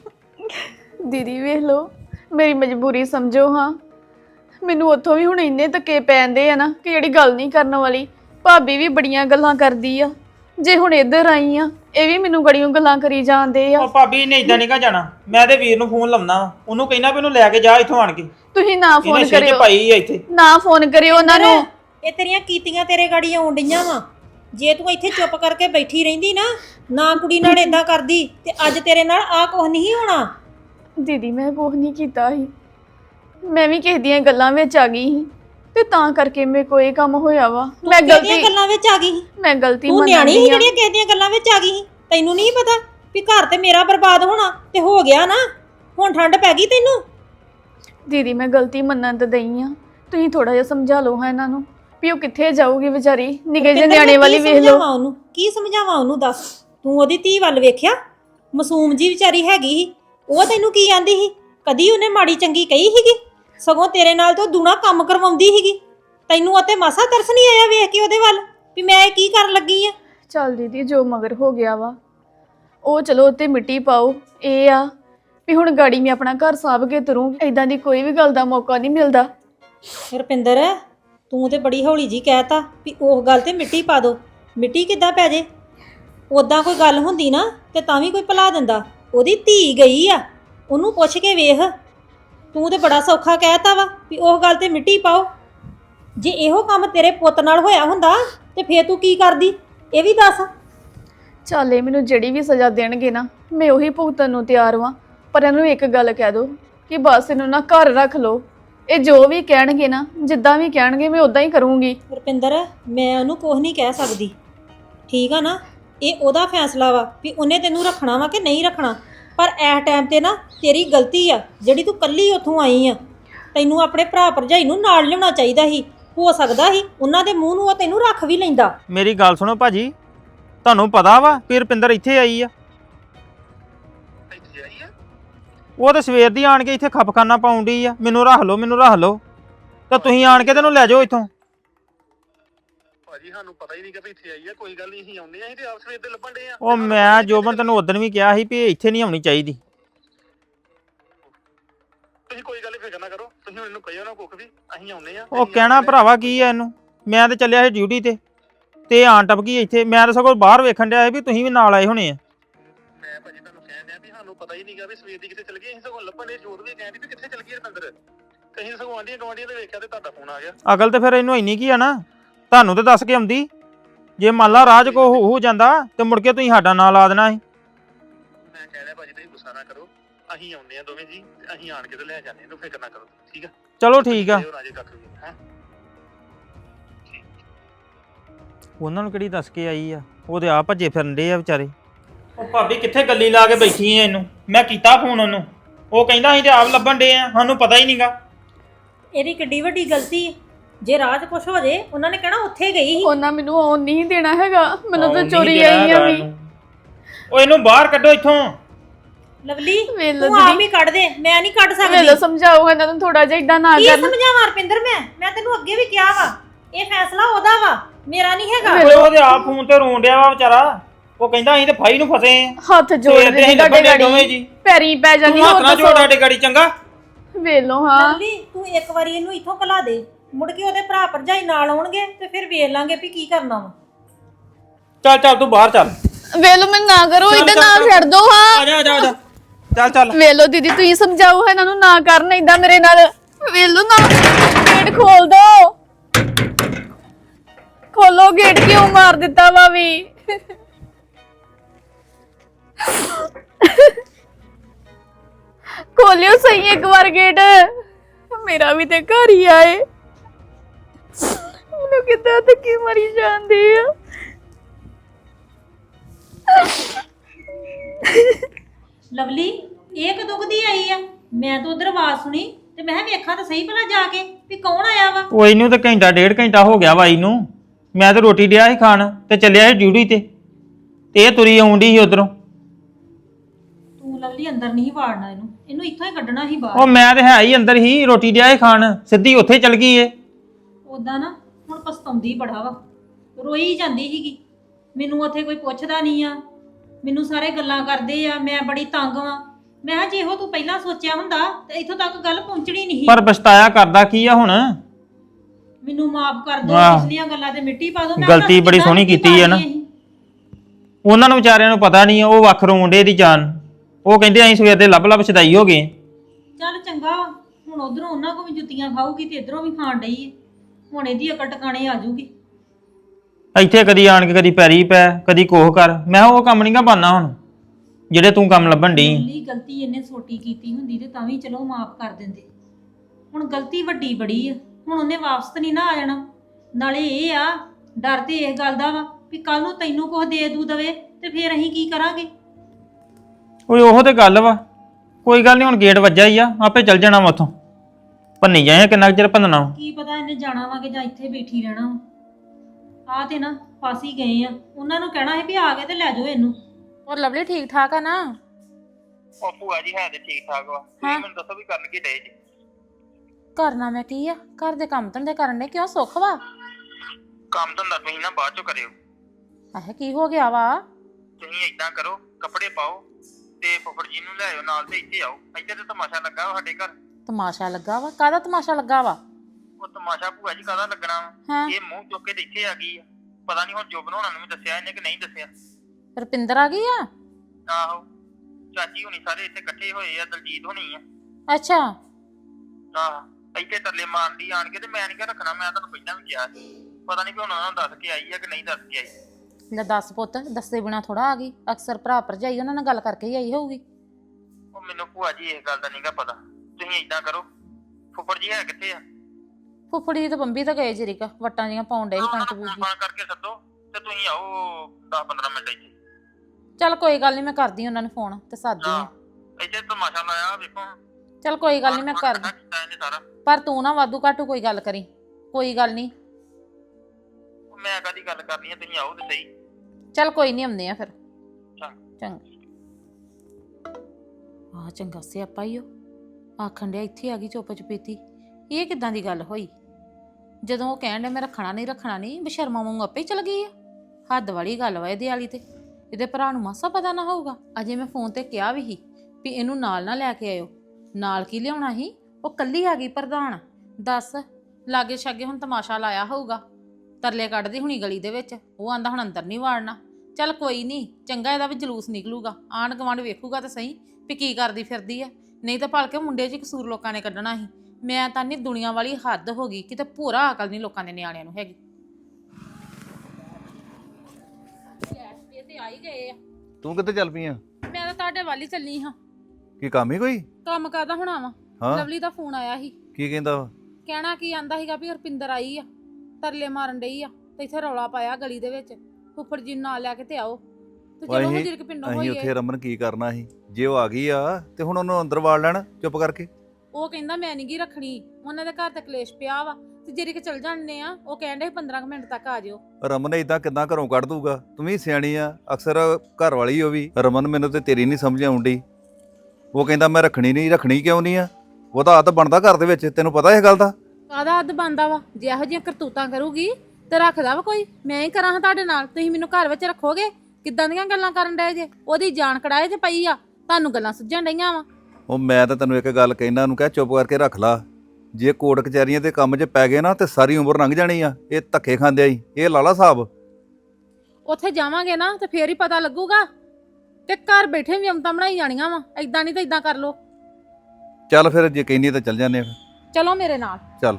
Speaker 2: ਦੀਦੀ ਵੇਖ ਲਓ, ਮੇਰੀ ਮਜਬੂਰੀ ਸਮਝੋ ਹਾਂ। ਮੈਨੂੰ ਉੱਥੋਂ ਵੀ ਹੁਣ ਇੰਨੇ ਧੱਕੇ ਪੈਂਦੇ ਆ ਨਾ ਕਿ ਜਿਹੜੀ ਗੱਲ ਨਹੀਂ ਕਰਨ ਵਾਲੀ। ਭਾਬੀ ਵੀ ਬੜੀਆਂ ਗੱਲਾਂ ਕਰਦੀ ਆ। ਜੇ ਹੁਣ ਇੱਧਰ ਆਈ ਆ, ਇਹ ਵੀ ਮੈਨੂੰ ਗੜੀਆਂ ਗੱਲਾਂ ਕਰੀ ਜਾਂਦੇ ਆ।
Speaker 1: ਉਹ ਭਾਬੀ ਨੇ ਇਦਾਂ ਨਹੀਂ ਕਾ ਜਾਣਾ। ਮੈਂ ਤੇ ਵੀਰ ਨੂੰ ਫੋਨ ਲਾਉਣਾ, ਉਹਨੂੰ ਕਹਿਣਾ ਵੀ ਉਹਨੂੰ ਲੈ ਕੇ ਜਾ ਇੱਥੋਂ ਆਣ ਕੇ।
Speaker 2: ਤੁਸੀਂ ਨਾ
Speaker 1: ਇਹਨੇ
Speaker 2: ਫੋਨ
Speaker 1: ਸਿਰ 'ਚ
Speaker 2: ਕਰਿਓ,
Speaker 1: ਪਾਈ ਆ ਇੱਥੇ।
Speaker 2: ਨਾ ਫੋਨ ਕਰਿਓ ਉਹਨਾਂ ਨੂੰ।
Speaker 3: ਇਹ ਤੇਰੀਆਂ ਕੀਤੀਆਂ ਤੇਰੇ ਗਾੜੀ ਆਉਣ ਡਈਆਂ ਵਾ। ਜੇ ਤੂੰ ਇੱਥੇ ਚੁੱਪ ਕਰਕੇ ਬੈਠੀ ਰਹਿੰਦੀ ਨਾ ਕੁੜੀ ਨਾਲ ਏਦਾਂ ਕਰਦੀ ਤੇ ਅੱਜ ਤੇਰੇ ਨਾਲ ਆ ਕੁਝ ਨਹੀਂ ਹੋਣਾ।
Speaker 2: ਦੀਦੀ ਮੈਂ ਕੁਛ ਨਹੀਂ ਕੀਤਾ ਸੀ, ਮੈਂ ਵੀ ਕਿਸੇ ਦੀਆਂ ਗੱਲਾਂ ਵਿੱਚ ਆ ਗਈ ਸੀ ਤੇ ਤਾਂ ਕਰਕੇ ਮੇਰੇ ਕੋਲ ਇਹ ਕੰਮ ਹੋਇਆ ਵਾ। ਮੈਂ
Speaker 3: ਕਿਹਦੀਆਂ
Speaker 2: ਗਲਤੀ
Speaker 3: ਗੱਲਾਂ ਵਿੱਚ ਆ ਗਈ ਸੀ?
Speaker 2: ਮੈਂ ਗਲਤੀ
Speaker 3: ਤੂੰ ਨਿਆਣੀ ਸੀ
Speaker 2: ਮੰਨਦੀ ਆ।
Speaker 3: ਜਿਹੜੀਆਂ ਕਿਸੇ ਦੀਆਂ ਗੱਲਾਂ ਵਿੱਚ ਆ ਗਈ ਸੀ? ਤੈਨੂੰ ਨਹੀਂ ਪਤਾ ਵੀ ਘਰ ਤੇ ਮੇਰਾ ਬਰਬਾਦ ਹੋਣਾ ਤੇ ਹੋ ਗਿਆ ਨਾ। ਹੁਣ ਠੰਡ ਪੈ ਗਈ ਤੈਨੂੰ।
Speaker 2: ਦੀਦੀ ਮੈਂ ਗਲਤੀ ਮੰਨਣ ਤੇ ਦਈ ਆ। ਤੁਸੀਂ ਥੋੜਾ ਜਿਹਾ ਸਮਝਾ ਲਓ ਹਾਂ ਇਹਨਾਂ ਨੂੰ ਵੀ ਉਹ ਕਿੱਥੇ ਜਾਊਗੀ ਵਿਚਾਰੀ। ਨਿੱਕੇ ਜਿਹੇ ਨਿਆਣੇ ਵਾਲੀ ਵੇਖ ਲਓ।
Speaker 3: ਉਹਨੂੰ ਕੀ ਸਮਝਾਵਾਂ? ਉਹਨੂੰ ਦੱਸ। ਤੂੰ ਉਹਦੀ ਧੀ ਵੱਲ ਵੇਖਿਆ? ਮਾਸੂਮ ਜੀ ਵਿਚਾਰੀ ਹੈਗੀ ਸੀ। ਉਹ ਤੈਨੂੰ ਕੀ ਆਂਦੀ ਸੀ? ਕਦੀ ਉਹਨੇ ਮਾੜੀ ਚੰਗੀ ਕਹੀ ਸੀਗੀ? ਸਗੋਂ ਤੇਰੇ ਨਾਲ ਤਾਂ ਦੂਣਾ ਕੰਮ ਕਰਵਾਉਂਦੀ ਸੀਗੀ। ਤੈਨੂੰ ਉੱਤੇ ਮਾਸਾ ਤਰਸ ਨਹੀਂ ਆਇਆ ਵੇਖ ਕੇ ਉਹਦੇ ਵੱਲ ਵੀ ਮੈਂ ਇਹ ਕੀ ਕਰਨ ਲੱਗੀ ਆ?
Speaker 2: ਚੱਲ ਦੀਦੀ ਜੋ ਮਗਰ ਹੋ ਗਿਆ ਵਾ ਉਹ ਚਲੋ ਉੱਤੇ ਮਿੱਟੀ ਪਾਓ। ਇਹ ਆ ਵੀ ਹੁਣ ਗਾੜੀ ਮੈਂ ਆਪਣਾ ਘਰ ਸਾਂਭ ਕੇ ਤੁਰੂੰ। ਇਦਾਂ ਦੀ ਕੋਈ ਵੀ ਗੱਲ ਦਾ ਮੌਕਾ ਨਹੀਂ ਮਿਲਦਾ।
Speaker 3: ਰੁਪਿੰਦਰ, ਤੂੰ ਤੇ ਬੜੀ ਹੌਲੀ ਜੀ ਕਹਿਤਾ ਵੀ ਉਹ ਗੱਲ ਤੇ ਮਿੱਟੀ ਪਾ ਦੋ। ਮਿੱਟੀ ਕਿੱਦਾਂ ਪੈ ਜੇ? ਉਦਾਂ ਕੋਈ ਗੱਲ ਹੁੰਦੀ ਨਾ ਤੇ ਤਾਂ ਵੀ ਕੋਈ ਭੁਲਾ ਦਿੰਦਾ। ਉਹਦੀ ਧੀ ਗਈ ਆ, ਉਹਨੂੰ ਪੁੱਛ ਕੇ ਵੇਖ। ਤੂੰ ਤੇ ਬੜਾ ਸੌਖਾ ਕਹਿਤਾ ਵਾ ਵੀ ਉਹ ਗੱਲ ਤੇ ਮਿੱਟੀ ਪਾਓ। ਜੇ ਇਹੋ ਕੰਮ ਤੇਰੇ ਪੁੱਤ ਨਾਲ ਹੋਇਆ ਹੁੰਦਾ ਤੇ ਫੇਰ ਤੂੰ ਕੀ ਕਰਦੀ? ਇਹ ਵੀ ਦੱਸ।
Speaker 2: ਚੱਲ ਇਹ ਮੈਨੂੰ ਜਿਹੜੀ ਵੀ ਸਜ਼ਾ ਦੇਣਗੇ ਨਾ ਮੈਂ ਉਹੀ ਭੁਗਤਣ ਨੂੰ ਤਿਆਰ ਵਾਂ। ਪਰ ਇਹਨੂੰ ਇੱਕ ਗੱਲ ਕਹਿ ਦਿਓ ਕਿ ਬਸ ਇਹਨੂੰ ਨਾ ਘਰ ਰੱਖ ਲਓ। ਇਹ ਜੋ ਵੀ ਕਹਿਣਗੇ ਨਾ, ਜਿੱਦਾਂ ਵੀ ਕਹਿਣਗੇ ਮੈਂ ਉਦਾਂ ਹੀ ਕਰੂੰਗੀ।
Speaker 3: ਰੁਪਿੰਦਰ, ਮੈਂ ਉਹਨੂੰ ਕੁਝ ਨਹੀਂ ਕਹਿ ਸਕਦੀ, ਠੀਕ ਆ ਨਾ? ਇਹ ਉਹਦਾ ਫੈਸਲਾ ਵਾ ਵੀ ਉਹਨੇ ਤੈਨੂੰ ਰੱਖਣਾ ਵਾ ਕਿ ਨਹੀਂ ਰੱਖਣਾ। ਪਰ ਇਸ ਟਾਈਮ ਤੇ ਨਾ ਤੇਰੀ ਗਲਤੀ ਆ ਜਿਹੜੀ ਤੂੰ ਕੱਲੀ ਉੱਥੋਂ ਆਈ ਆ। ਤੈਨੂੰ ਆਪਣੇ ਭਰਾ ਭਰਜਾਈ ਨੂੰ ਨਾਲ ਲਿਆਉਣਾ ਚਾਹੀਦਾ ਸੀ। ਹੋ ਸਕਦਾ ਸੀ ਉਹਨਾਂ ਦੇ ਮੂੰਹ ਨੂੰ ਉਹ ਤੈਨੂੰ ਰੱਖ ਵੀ ਲੈਂਦਾ।
Speaker 1: ਮੇਰੀ ਗੱਲ ਸੁਣੋ ਭਾਜੀ, ਤੁਹਾਨੂੰ ਪਤਾ ਵਾ ਕਿ ਰੁਪਿੰਦਰ ਇੱਥੇ ਆਈ ਆ? ਉਹ ਤਾਂ ਸਵੇਰ ਦੀ ਆਣ ਕੇ ਇੱਥੇ ਖਪਖਾਨਾ ਪਾਉਂਦੀ ਆ, ਮੈਨੂੰ ਰੱਖ ਲਓ ਮੈਨੂੰ ਰੱਖ ਲਓ। ਤਾਂ ਤੁਸੀਂ ਆਣ ਕੇ ਤੈਨੂੰ ਲੈ ਜਾਓ ਇੱਥੋਂ।
Speaker 6: ਭਾਜੀ ਸਾਨੂੰ ਪਤਾ ਹੀ ਨਹੀਂ ਕਿ ਵੀ ਇੱਥੇ ਆਈ ਆ। ਕੋਈ ਗੱਲ ਨਹੀਂ, ਅਸੀਂ ਆਉਂਦੇ ਆ, ਅਸੀਂ ਤੇ ਆਪ ਸਵੇਰ ਦੇ ਲੱਭਣ ਡੇ ਆ।
Speaker 1: ਉਹ ਮੈਂ ਜੋਬਨ ਤੈਨੂੰ ਉਦੋਂ ਵੀ ਕਿਹਾ ਸੀ ਵੀ ਇਹ ਇੱਥੇ ਨਹੀਂ ਆਉਣੀ ਚਾਹੀਦੀ।
Speaker 6: ਤੁਸੀਂ ਕੋਈ ਗੱਲ ਨੀ ਫਿਕਰ ਨਾ ਕਰੋ, ਤੁਸੀਂ ਹੁਣ ਇਹਨੂੰ ਕਹਿਓ ਨਾ ਕੁੱਖ ਵੀ, ਅਸੀਂ ਆਉਂਦੇ ਆ।
Speaker 1: ਉਹ ਕਹਿਣਾ ਭਰਾਵਾ ਕੀ ਆ ਇਹਨੂੰ, ਮੈਂ ਤੇ ਚੱਲਿਆ ਸੀ ਡਿਊਟੀ ਤੇ ਇਹ ਆਣ ਟੱਪ ਗਈ ਇੱਥੇ। ਮੈਂ ਤਾਂ ਸਗੋਂ ਬਾਹਰ ਵੇਖਣ ਡਿਆ ਸੀ ਵੀ ਤੁਸੀਂ ਵੀ ਨਾਲ ਆਏ ਹੋਣੇ ਆ।
Speaker 6: ਮੈਂ ਭਾਜੀ ਤੁਹਾਨੂੰ ਕਹਿਣ ਡਿਆ ਵੀ ਸਾਨੂੰ ਪਤਾ ਹੀ ਨਹੀਂਗਾ ਵੀ ਸਵੇਰ ਦੀ ਕਿੱਥੇ ਚਲ ਗਈ। ਅਸੀਂ ਸਗੋਂ ਲੱਭਣ ਡੇ, ਜੋਤ ਵੀ ਕਹਿੰਦੀ ਵੀ ਕਿੱਥੇ ਚਲ ਗਈ ਰਵਿੰਦਰ। ਤੇ ਅਸੀਂ ਸਗੋਂ ਆਂਢੀਆਂ ਗੁਆਂਢੀਆਂ ਦੇ ਵੇਖਿਆ ਤੇ ਤੁਹਾਡਾ ਫੋਨ ਆ ਗਿਆ।
Speaker 1: ਅਕਲ ਤੇ ਫਿਰ ਇਹਨੂੰ ਇੰਨੀ ਕੀ ਆ ਨਾ, ਤੁਹਾਨੂੰ ਤੇ ਦੱਸ ਕੇ ਆਉਂਦੀ। ਜੇ ਮੰਨ ਲਾ ਰਾਜ ਕੋ ਹੋ ਜਾਂਦਾ ਤੇ ਮੁੜ ਕੇ ਤੁਸੀਂ ਸਾਡਾ ਨਾਂ ਲਾ ਦੇਣਾ ਸੀ।
Speaker 6: ਮੈਂ ਕਹਿ ਰਿਹਾ ਭਾਜੀ ਤੁਸੀਂ ਗੁੱਸਾ ਨਾ ਕਰੋ, ਅਸੀਂ ਆਉਂਦੇ ਆ ਦੋਵੇਂ ਜੀ, ਤੇ ਅਸੀਂ ਆਣ ਕੇ ਤੇ ਲੈ ਜਾਂਦੇ, ਇਹਨੂੰ ਫਿਕਰ ਨਾ ਕਰੋ, ਠੀਕ ਆ?
Speaker 1: ਚਲੋ ਠੀਕ ਆ।
Speaker 6: ਰਾਜੇ ਕੱਖ ਵੀ ਹੈ।
Speaker 1: ਉਹਨਾਂ ਨੂੰ ਕਿਹੜੀ ਦੱਸ ਕੇ ਆਈ ਆ, ਉਹਦੇ ਆ ਭੱਜੇ ਫਿਰਨ ਡੇ ਆ ਵਿਚਾਰੇ। ਉਹ ਭਾਬੀ ਕਿੱਥੇ ਗੱਲੀ ਲਾ ਕੇ ਬੈਠੀ ਐ ਇਹਨੂੰ? ਮੈਂ ਕੀਤਾ ਫੋਨ ਉਹਨੂੰ, ਉਹ ਕਹਿੰਦਾ ਅਸੀਂ ਤੇ ਆਪ ਲੱਭਣ ਡੇ ਆ, ਸਾਨੂੰ ਪਤਾ ਹੀ ਨਹੀਂਗਾ।
Speaker 3: ਇਹਦੀ ਕਿੱਡੀ ਵੱਡੀ ਗਲਤੀ ਹੈ। ਜੇ ਰਾਜ ਕੁਛ ਹੋ ਜੇ ਉਹਨਾਂ ਨੇ ਕਹਿਣਾ ਉੱਥੇ ਗਈ ਸੀ।
Speaker 2: ਉਹਨਾਂ ਮੈਨੂੰ ਆਉਣ ਨਹੀਂ ਦੇਣਾ ਹੈਗਾ, ਮੈਨੂੰ ਤਾਂ ਚੋਰੀ ਆਈ ਆ ਵੀ।
Speaker 1: ਉਹ ਇਹਨੂੰ ਬਾਹਰ ਕੱਢੋ ਇੱਥੋਂ।
Speaker 3: ਲਵਲੀ
Speaker 2: ਵੇਲੋ
Speaker 3: ਤੂੰ ਆਪ ਹੀ ਕੱਢ ਦੇ, ਮੈਂ ਨਹੀਂ ਕੱਢ ਸਕਦੀ।
Speaker 2: ਵੇਲੋ ਸਮਝਾਓ ਇਹਨਾਂ ਨੂੰ ਥੋੜਾ ਜਿਹਾ, ਇਦਾਂ ਨਾ
Speaker 3: ਕੀ
Speaker 2: ਕਰਨ।
Speaker 3: ਸਮਝਾਵਾਂ ਰਪਿੰਦਰ? ਮੈਂ ਤੈਨੂੰ ਅੱਗੇ ਵੀ ਕਿਹਾ ਵਾ, ਇਹ ਫੈਸਲਾ ਉਹਦਾ ਵਾ, ਮੇਰਾ ਨਹੀਂ ਹੈਗਾ।
Speaker 1: ਓਏ ਉਹਦੇ ਆਪ ਫੋਨ ਤੇ ਰੋਣ ਡਿਆ ਵਾ ਵਿਚਾਰਾ। ਉਹ ਕਹਿੰਦਾ ਅਸੀਂ ਤੇ ਫਾਈ ਨੂੰ ਫਸੇ ਆ।
Speaker 2: ਹੱਥ ਜੋੜ ਦੇ ਤੁਹਾਡੇ ਗਾੜੀ, ਪੈਰੀ ਪੈ ਜਾਂਦੀ
Speaker 1: ਤੂੰ ਹੱਥ ਨਾ ਜੋੜ ਸਾਡੇ ਗਾੜੀ, ਚੰਗਾ?
Speaker 2: ਵੇਲੋ ਹਾਂ
Speaker 3: ਲਵਲੀ ਤੂੰ ਇੱਕ ਵਾਰੀ ਇਹਨੂੰ ਇੱਥੋਂ ਕਲਾ ਦੇ, ਮੁੜ ਕੇ ਉਹਦੇ ਭਰਾ ਭਰਜਾਈ ਨਾਲ ਆਉਣਗੇ ਤੇ ਫਿਰ ਵੇਖ ਲਾਂਗੇ ਵੀ ਕੀ ਕਰਨਾ ਵਾ।
Speaker 1: ਚੱਲ ਚੱਲ ਤੂੰ ਬਾਹਰ ਚੱਲ।
Speaker 2: ਵੇਲੋ ਮੈਂ ਨਾ ਕਰੋ, ਇਦਾਂ ਨਾ ਛੱਡ ਦੋ। ਹਾਂ
Speaker 1: ਆ ਜਾ ਆ ਜਾ ਆ ਜਾ, ਚੱਲ ਚੱਲ।
Speaker 2: ਵੇਲੋ ਦੀਦੀ ਤੁਸੀਂ ਸਮਝਾਓ ਇਹਨਾਂ ਨੂੰ ਨਾ ਕਰਨ ਇਦਾਂ ਮੇਰੇ ਨਾਲ। ਵੇਲੋ ਨਾ, ਗੇਟ ਖੋਲ ਦੋ। ਖੋਲੋ ਗੇਟ, ਕਿਉਂ ਮਾਰ ਦਿੱਤਾ ਵਾ ਵੀ? ਖੋਲਿਓ ਸਹੀ ਇੱਕ ਵਾਰ ਗੇਟ, ਮੇਰਾ ਵੀ ਤੇ ਘਰ ਹੀ ਆਏ। ਮੈਨੂੰ ਕਿੱਦਾਂ ਧੱਕੇ ਮਰੀ ਜਾਂਦੇ ਆ।
Speaker 3: ਲਵਲੀ ਇਹ ਕਦੋਂ ਕਦੀ ਆਈ ਆ? ਮੈਂ ਤਾਂ ਉਧਰ ਆਵਾਜ਼ ਸੁਣੀ ਤੇ ਮੈਂ ਕਿਹਾ ਵੇਖਾਂ ਤਾਂ ਸਹੀ ਭਲਾ ਜਾ ਕੇ ਵੀ ਕੌਣ ਆਇਆ ਵਾ।
Speaker 1: ਉਹ ਇਹਨੂੰ ਤਾਂ ਘੰਟਾ ਡੇਢ ਘੰਟਾ ਹੋ ਗਿਆ ਬਾਈ ਨੂੰ। ਮੈਂ ਤਾਂ ਰੋਟੀ ਡਿਆ ਸੀ ਖਾਣ ਤੇ ਚੱਲਿਆ ਸੀ ਡਿਊਟੀ ਤੇ ਇਹ ਤੁਰੀ ਆਉਂਦੀ ਸੀ ਉਧਰੋਂ।
Speaker 3: ਤੂੰ ਲਵਲੀ ਅੰਦਰ ਨਹੀਂ ਵਾੜਨਾ ਇਹਨੂੰ ਇੱਥੋਂ ਹੀ ਕੱਢਣਾ ਸੀ
Speaker 1: ਉਹ
Speaker 3: ਬਾਹਰ।
Speaker 1: ਮੈਂ ਤੇ ਹੈ ਹੀ ਅੰਦਰ ਹੀ, ਰੋਟੀ ਡਿਆ ਸੀ ਖਾਣ, ਸਿੱਧੀ ਉੱਥੇ ਚਲ ਗਈ ਏ।
Speaker 3: ਉਦਾਂ ਨਾ ਹੁਣ ਪਛਤਾਉਂਦੀ ਬੜਾ ਵਾ, ਰੋਈ ਜਾਂਦੀ ਸੀਗੀ। ਮੈਨੂੰ ਉੱਥੇ ਕੋਈ ਪੁੱਛਦਾ ਨਹੀਂ ਆ, ਮੈਨੂੰ ਸਾਰੇ ਗੱਲਾਂ ਕਰਦੇ ਆ, ਮੈਂ ਬੜੀ ਤੰਗ ਵਾਂ। ਮੈਂ ਕਿਹਾ ਜੇ ਇਹੋ ਤੂੰ ਪਹਿਲਾਂ ਸੋਚਿਆ ਹੁੰਦਾ ਤੇ ਇੱਥੋਂ ਤੱਕ ਗੱਲ ਪਹੁੰਚਣੀ ਨਹੀਂ।
Speaker 1: ਪਰ ਪਛਤਾਇਆ ਕਰਦਾ ਕੀ ਆ ਹੁਣ?
Speaker 3: ਮੈਨੂੰ ਮਾਫ ਕਰ ਦਿਓ,
Speaker 1: ਆਹ।
Speaker 3: ਪਿਛਲੀਆਂ ਗੱਲਾਂ ਤੇ ਮਿੱਟੀ ਪਾ ਦਿਓ।
Speaker 1: ਗਲਤੀ ਬੜੀ ਸੋਹਣੀ ਕੀਤੀ ਆ ਨਾ। ਉਹਨਾਂ ਨੂੰ ਵਿਚਾਰਿਆਂ ਨੂੰ ਪਤਾ ਨਹੀਂ, ਉਹ ਵੱਖ ਰੋਂਡੇ ਦੀ ਜਾਨ। ਉਹ ਕਹਿੰਦੇ ਅਸੀਂ ਸਵੇਰ ਦੇ ਲੱਭ ਲੱਭ ਛਦਾਈ ਹੋ ਗਏ।
Speaker 3: ਚੱਲ ਚੰਗਾ ਵਾ, ਹੁਣ ਉਧਰੋਂ ਉਹਨਾਂ ਕੋ ਵੀ ਜੁੱਤੀਆਂ ਖਾਊਗੀ ਤੇ ਇਧਰੋਂ ਵੀ ਖਾਣ ਡਈ ਏ। ਹੁਣ ਇਹਦੀ ਅਕਲ ਟਿਕਾਣੇ ਆ ਜਾਊਗੀ।
Speaker 1: ਇੱਥੇ ਕਦੀ ਆਣ ਕੇ ਕਦੀ ਪੈਰੀ ਪੈ, ਕਦੀ ਕੋਹ ਕਰ। ਮੈਂ ਕਿਹਾ ਉਹ ਕੰਮ ਨਹੀਂ ਗਾ ਬਣਨਾ ਹੁਣ, ਜਿਹੜੇ ਤੂੰ ਕੰਮ ਲੱਭਣ ਡਈ।
Speaker 3: ਪਹਿਲੀ ਗਲਤੀ ਇਹਨੇ ਛੋਟੀ ਕੀਤੀ ਹੁੰਦੀ ਤੇ ਤਾਂ ਵੀ ਚਲੋ ਮਾਫ ਕਰ ਦਿੰਦੇ। ਹੁਣ ਗਲਤੀ ਵੱਡੀ ਬੜੀ ਆ, ਹੁਣ ਉਹਨੇ ਵਾਪਸ ਤਾਂ ਨਹੀਂ ਨਾ ਆ ਜਾਣਾ। ਨਾਲੇ ਇਹ ਆ ਡਰ ਤੇ ਇਸ ਗੱਲ ਦਾ ਵਾ ਵੀ ਕੱਲ ਨੂੰ ਤੈਨੂੰ ਕੁਝ ਦੇ ਦੂ ਦਵੇ ਤੇ ਫੇਰ ਅਸੀਂ ਕੀ ਕਰਾਂਗੇ।
Speaker 1: ਓਏ ਉਹੋ ਤੇ ਗੱਲ ਵਾ, ਕੋਈ ਗੱਲ ਨਹੀਂ, ਹੁਣ ਗੇਟ ਵੱਜਾ ਹੀ ਆ, ਆਪੇ ਚੱਲ ਜਾਣਾ ਵਾ ਉੱਥੋਂ। ਭੰਨੀ ਜਾਏ ਕਿੰਨਾ ਕੁ ਚਿਰ ਭੰਨਣਾ ਵਾ।
Speaker 3: ਕੀ ਪਤਾ ਇਹਨੇ ਜਾਣਾ ਵਾ ਕਿ ਜਾਂ ਇੱਥੇ ਬੈਠੀ ਰਹਿਣਾ ਵਾ। ਆ ਤੇ ਨਾ ਫਸ ਹੀ ਗਏ ਆ। ਉਹਨਾਂ ਨੂੰ ਕਹਿਣਾ ਸੀ ਵੀ ਆ ਕੇ ਤੇ ਲੈ ਜਾਓ ਇਹਨੂੰ।
Speaker 5: ਹੋਰ ਲਵਲੀ ਠੀਕ ਠਾਕ ਆ ਨਾ?
Speaker 6: ਉਹ ਭੂਆ ਜੀ ਹੈ ਤੇ ਠੀਕ ਠਾਕ ਵਾ। ਤੁਸੀਂ ਮੈਨੂੰ ਦੱਸੋ ਵੀ ਕਰਨ ਕੀ ਡੇ ਜੀ?
Speaker 5: ਕਰਨਾ ਮੈਂ ਕੀ ਆ, ਘਰ ਦੇ ਕੰਮ ਧੰਦੇ ਕਰਨ ਦੇ, ਕਿਉਂ ਸੁੱਖ ਵਾ?
Speaker 6: ਕੰਮ ਧੰਦਾ ਤੁਸੀਂ ਨਾ ਬਾਅਦ ਚੋਂ ਕਰਿਓ।
Speaker 5: ਆਹ ਕੀ ਹੋ ਗਿਆ ਵਾ?
Speaker 6: ਤੁਸੀਂ ਏਦਾਂ ਕਰੋ, ਕੱਪੜੇ ਪਾਓ ਤੇ ਫੁੱਫੜ ਜੀ ਨੂੰ ਲੈ ਆਓ ਨਾਲ ਤੇ ਇੱਥੇ ਆਓ। ਇੱਥੇ ਤੇ ਤਮਾਸ਼ਾ ਲੱਗਾ ਵਾ ਸਾਡੇ ਘਰ।
Speaker 5: ਤਮਾਸ਼ਾ ਲੱਗਾ ਵਾ? ਕਾਹਦਾ ਤਮਾਸ਼ਾ ਲੱਗਾ ਵਾ?
Speaker 6: ਉਹ ਤਮਾਸ਼ਾ ਭੂਆ ਜੀ ਕਾਹਦਾ ਲੱਗਣਾ ਵਾ?
Speaker 5: ਹਾਂ।
Speaker 6: ਇਹ ਮੂੰਹ ਚੁੱਕ ਕੇ ਤੇ ਇੱਥੇ ਆ ਗਈ ਆ। ਪਤਾ ਨਹੀਂ ਹੁਣ ਜੋ ਬਣਾਉਣਾ ਨੂੰ ਵੀ ਦੱਸਿਆ ਇਹਨੇ ਕਿ ਨਹੀਂ ਦੱਸਿਆ।
Speaker 5: ਰੁਪਿੰਦਰ ਆ ਗਈ ਆ?
Speaker 6: ਆਹੋ, ਚਾਚੀ ਹੁਣੀ ਸਾਰੇ ਇੱਥੇ ਇਕੱਠੇ ਹੋਏ ਆ, ਦਲਜੀਤ ਹੋਣੀ ਆ।
Speaker 5: ਅੱਛਾ।
Speaker 6: ਆਹ ਇੱਥੇ ਤਰਲੇ ਮਾਰਦੀ ਆਣ ਕੇ ਤੇ ਮੈਂ ਨਹੀਂ ਕਿ ਰੱਖਣਾ। ਮੈਂ ਤੁਹਾਨੂੰ ਪਹਿਲਾਂ ਵੀ ਕਿਹਾ ਸੀ, ਪਤਾ ਨਹੀਂ ਵੀ ਹੁਣ ਉਹਨਾਂ ਨੂੰ ਦੱਸ ਕੇ ਆਈ ਆ ਕਿ ਨਹੀਂ ਦੱਸ ਕੇ ਆਈ।
Speaker 5: ਲੈ ਦੱਸ ਪੁੱਤ, ਦੱਸੇ ਬਿਨਾ ਥੋੜਾ ਆ ਗਈ। ਅਕਸਰ ਭਰਾ ਭਰਜਾਈ ਉਹਨਾਂ ਨਾਲ ਗੱਲ ਕਰਕੇ ਹੀ ਆਈ ਹੋਊਗੀ।
Speaker 6: ਉਹ ਮੈਨੂੰ ਭੂਆ ਜੀ ਇਸ ਗੱਲ ਦਾ ਨਹੀਂਗਾ ਪਤਾ। ਤੁਸੀਂ ਏਦਾਂ ਕਰੋ, ਫੁੱਫੜ ਜੀ ਹੈ ਕਿੱਥੇ ਆ?
Speaker 5: ਫੁੱਫੜੀ ਤਾਂ ਬੰਬੀ ਤਾਂ ਗਏ ਜਰੀਕਾ, ਵੱਟਾਂ ਜੀਆਂ ਪਾਉਣ ਡੇ ਸੀ ਕਣਕ
Speaker 6: ਫੋਨ
Speaker 5: ਬੀਜੀ।
Speaker 6: ਫਾਨ ਕਰਕੇ ਸੱਦੋ ਤੇ ਤੁਸੀਂ ਆਓ 10-15 ਮਿੰਟ ਇੱਥੇ।
Speaker 5: ਚੱਲ ਕੋਈ ਗੱਲ ਨਹੀਂ, ਮੈਂ ਕਰਦੀ ਉਹਨਾਂ ਨੂੰ ਫੋਨ ਤੇ ਸੱਦਦੀ ਆ।
Speaker 6: ਇੱਥੇ ਤਮਾਸ਼ਾ ਲਾਇਆ ਵੇਖੋ।
Speaker 5: ਚੱਲ ਕੋਈ ਗੱਲ ਨਹੀਂ, ਮੈਂ ਕਰਦੀ।
Speaker 6: ਸਾਰਾ
Speaker 5: ਪਰ ਤੂੰ ਨਾ ਵਾਧੂ ਘਾਟੂ ਕੋਈ ਗੱਲ ਕਰੀ। ਕੋਈ ਗੱਲ ਨਹੀਂ।
Speaker 6: ਮੈਂ ਕਾਹਦੀ ਗੱਲ ਕਰਨੀ ਆ, ਤੁਸੀਂ ਆਓ ਤੇ ਸਹੀ।
Speaker 5: ਚੱਲ ਕੋਈ ਨਹੀਂ, ਆਉਂਦੇ ਆ ਫਿਰ। ਚੰਗਾ। ਆ ਚੰਗਾ ਸਿਆਪਾ ਈ ਓ, ਆਖਣ ਡਿਆ ਇੱਥੇ ਆ ਗਈ ਚੁੱਪ ਚਪੀਤੀ। ਇਹ ਕਿੱਦਾਂ ਦੀ ਗੱਲ ਹੋਈ? ਜਦੋਂ ਉਹ ਕਹਿਣ ਡਿਆ ਮੈਂ ਰੱਖਣਾ ਨਹੀਂ ਬਸ਼ਰਮਾ ਵਾਂਗੂ ਆਪੇ ਹੀ ਚਲ ਗਈ ਆ। ਹੱਦ ਵਾਲੀ ਗੱਲ ਵਾ ਇਹਦੇ ਵਾਲੀ ਤੇ। ਇਹਦੇ ਭਰਾ ਨੂੰ ਮਾਸਾ ਪਤਾ ਨਾ ਹੋਊਗਾ। ਅਜੇ ਮੈਂ ਫੋਨ ਤੇ ਕਿਹਾ ਵੀ ਸੀ ਵੀ ਇਹਨੂੰ ਨਾਲ ਨਾ ਲੈ ਕੇ ਆਇਓ। ਨਾਲ ਕੀ ਲਿਆਉਣਾ ਸੀ, ਉਹ ਕੱਲੀ ਆ ਗਈ ਪ੍ਰਧਾਨ। ਦੱਸ ਲਾਗੇ ਛਾਗੇ ਹੁਣ ਤਮਾਸ਼ਾ ਲਾਇਆ ਹੋਊਗਾ, ਤਰਲੇ ਕੱਢਦੀ ਹੁਣੀ ਗਲੀ ਦੇ ਵਿੱਚ। ਉਹ ਆਂਦਾ ਹੁਣ ਅੰਦਰ ਨਹੀਂ ਵਾੜਨਾ। ਚੱਲ ਕੋਈ ਨਹੀਂ, ਚੰਗਾ ਇਹਦਾ ਵੀ ਜਲੂਸ ਨਿਕਲੂਗਾ, ਆਂਢ ਗੁਆਂਢ ਵੇਖੂਗਾ ਤਾਂ ਸਹੀ ਵੀ ਕੀ ਕਰਦੀ ਫਿਰਦੀ ਆ। ਨਹੀਂ ਤਾਂ ਭਲਕੇ ਮੁੰਡੇ 'ਚ ਕਸੂਰ ਲੋਕਾਂ ਨੇ ਕੱਢਣਾ ਸੀ। ਮੈਂ ਤਾਂ ਨਹੀਂ, ਦੁਨੀਆ ਵਾਲੀ ਹੱਦ ਹੋ ਗਈ, ਕਿਤੇ ਭੋਰਾ ਅਕਲ ਨਹੀਂ ਲੋਕਾਂ ਦੇ ਨਿਆਣਿਆਂ ਨੂੰ ਹੈਗੀ। ਇਹ ਤੇ ਆ ਹੀ ਗਏ ਆ।
Speaker 4: ਤੂੰ ਕਿੱਥੇ ਚੱਲ ਪਈ ਆ?
Speaker 5: ਮੈਂ ਤਾਂ ਤੁਹਾਡੇ ਵੱਲ ਹੀ ਚੱਲੀ ਹਾਂ।
Speaker 4: ਕੀ ਕੰਮ ਹੀ ਕੋਈ?
Speaker 5: ਕੰਮ ਕਰਦਾ ਹੋਣਾ ਵਾ।
Speaker 4: ਹਾਂ,
Speaker 5: ਲਵਲੀ ਦਾ ਫੋਨ ਆਇਆ ਸੀ।
Speaker 4: ਕੀ ਕਹਿੰਦਾ ਵਾ?
Speaker 5: ਕਹਿਣਾ ਕੀ ਆਂਦਾ ਸੀਗਾ ਵੀ ਹਰਪਿੰਦਰ ਆਈ ਆ, ਤਰਲੇ ਮਾਰਨ ਡਈ ਆ ਤੇ ਇੱਥੇ ਰੌਲਾ ਪਾਇਆ ਗਲੀ ਦੇ ਵਿੱਚ, ਫੁੱਫੜ ਜੀ ਨੂੰ ਨਾਲ ਲੈ ਕੇ ਤੇ ਆਓ। ਤੇ ਜਦੋਂ
Speaker 4: ਅਸੀਂ-
Speaker 5: ਹਜੀਰ ਕੇ ਪਿੰਡੋਂ
Speaker 4: ਅਸੀਂ
Speaker 5: ਹੋਈ
Speaker 4: ਉੱਥੇ ਰਮਨ ਕੀ ਕਰਨਾ ਸੀ? ਜੇ ਉਹ ਆ ਗਈ ਆ ਤੇ ਹੁਣ ਉਹਨੂੰ ਅੰਦਰ ਵਾੜ ਲੈਣ ਚੁੱਪ ਕਰਕੇ।
Speaker 5: ਉਹ ਕਹਿੰਦਾ ਮੈਂ ਨੀ ਗੀ ਰੱਖਣੀ, ਉਹਨਾਂ ਦੇ ਘਰ ਤੇ ਕਲੇਸ਼ ਪਿਆ ਵਾ ਤੇ ਜਿਹੜੇ ਕਿ ਚਲ ਜਾਂਦੇ ਆ। ਉਹ ਕਹਿੰਦੇ 15 ਕੁ ਮਿੰਟ ਤੱਕ ਆ ਜਿਓ।
Speaker 4: ਰਮਨ ਇਦਾਂ ਕਿੱਦਾਂ ਘਰੋਂ ਕੱਢ ਦੂਗਾ? ਤੂੰ ਵੀ ਸਿਆਣੀ ਆ, ਅਕਸਰ ਘਰ ਵਾਲੀ ਉਹ ਵੀ। ਰਮਨ ਮੈਨੂੰ ਤੇ ਤੇਰੀ ਨਹੀਂ ਸਮਝ ਆਉਂਦੀ। ਉਹ ਕਹਿੰਦਾ ਮੈਂ ਰੱਖਣੀ ਕਿਉਂ ਨਹੀਂ ਆ? ਉਹਦਾ ਹੱਥ ਬਣਦਾ ਘਰ ਦੇ ਵਿੱਚ, ਤੈਨੂੰ ਪਤਾ ਇਹ ਗੱਲ ਦਾ?
Speaker 5: ਕਾਹਦਾ ਹੱਦ ਬੰਦਾ ਵਾ? ਜੇ ਇਹੋ ਜਿਹੀਆਂ ਕਰਤੂਤਾਂ ਕਰੂਗੀ ਤੇ ਰੱਖਦਾ ਵਾ ਕੋਈ? ਮੈਂ ਹੀ ਕਰਾਂ ਤੁਹਾਡੇ ਨਾਲ, ਤੁਸੀਂ ਮੈਨੂੰ ਘਰ ਵਿੱਚ ਰੱਖੋਗੇ? ਕਿੱਦਾਂ ਦੀਆਂ ਗੱਲਾਂ ਕਰਨ ਡਏ ਜੇ? ਉਹਦੀ ਜਾਨ ਕੜਾਏ ਜੇ ਪਈ ਆ, ਤੁਹਾਨੂੰ ਗੱਲਾਂ ਸੁਝਣ ਡਈਆਂ ਵਾ।
Speaker 4: ਉਹ ਮੈਂ ਤਾਂ ਤੈਨੂੰ ਇੱਕ ਗੱਲ ਕਹਿਣਾ, ਉਹਨੂੰ ਕਹਿ ਚੁੱਪ ਕਰਕੇ ਰੱਖ ਲਾ। ਜੇ ਕੋਰਟ ਕਚਹਿਰੀਆਂ ਦੇ ਕੰਮ 'ਚ ਪੈ ਗਏ ਨਾ ਤੇ ਸਾਰੀ ਉਮਰ ਲੰਘ ਜਾਣੀ ਆ। ਇਹ ਧੱਕੇ ਖਾਂਦੇ ਆਈ, ਇਹ ਲਾਲਾ ਸਾਹਿਬ।
Speaker 5: ਉੱਥੇ ਜਾਵਾਂਗੇ ਨਾ ਤੇ ਫੇਰ ਹੀ ਪਤਾ ਲੱਗੂਗਾ ਕਿ ਘਰ ਬੈਠੇ ਵੀ ਅਮਤਾਂ ਬਣਾਈ ਜਾਣੀਆਂ ਵਾ। ਏਦਾਂ ਨਹੀਂ ਤਾਂ ਏਦਾਂ ਕਰ ਲੋ।
Speaker 4: ਚੱਲ ਫਿਰ ਜੇ ਕਹਿੰਦੀ ਤਾਂ ਚੱਲ ਜਾਂਦੇ ਆ ਫਿਰ।
Speaker 5: ਚਲੋ ਮੇਰੇ ਨਾਲ।
Speaker 4: ਚੱਲ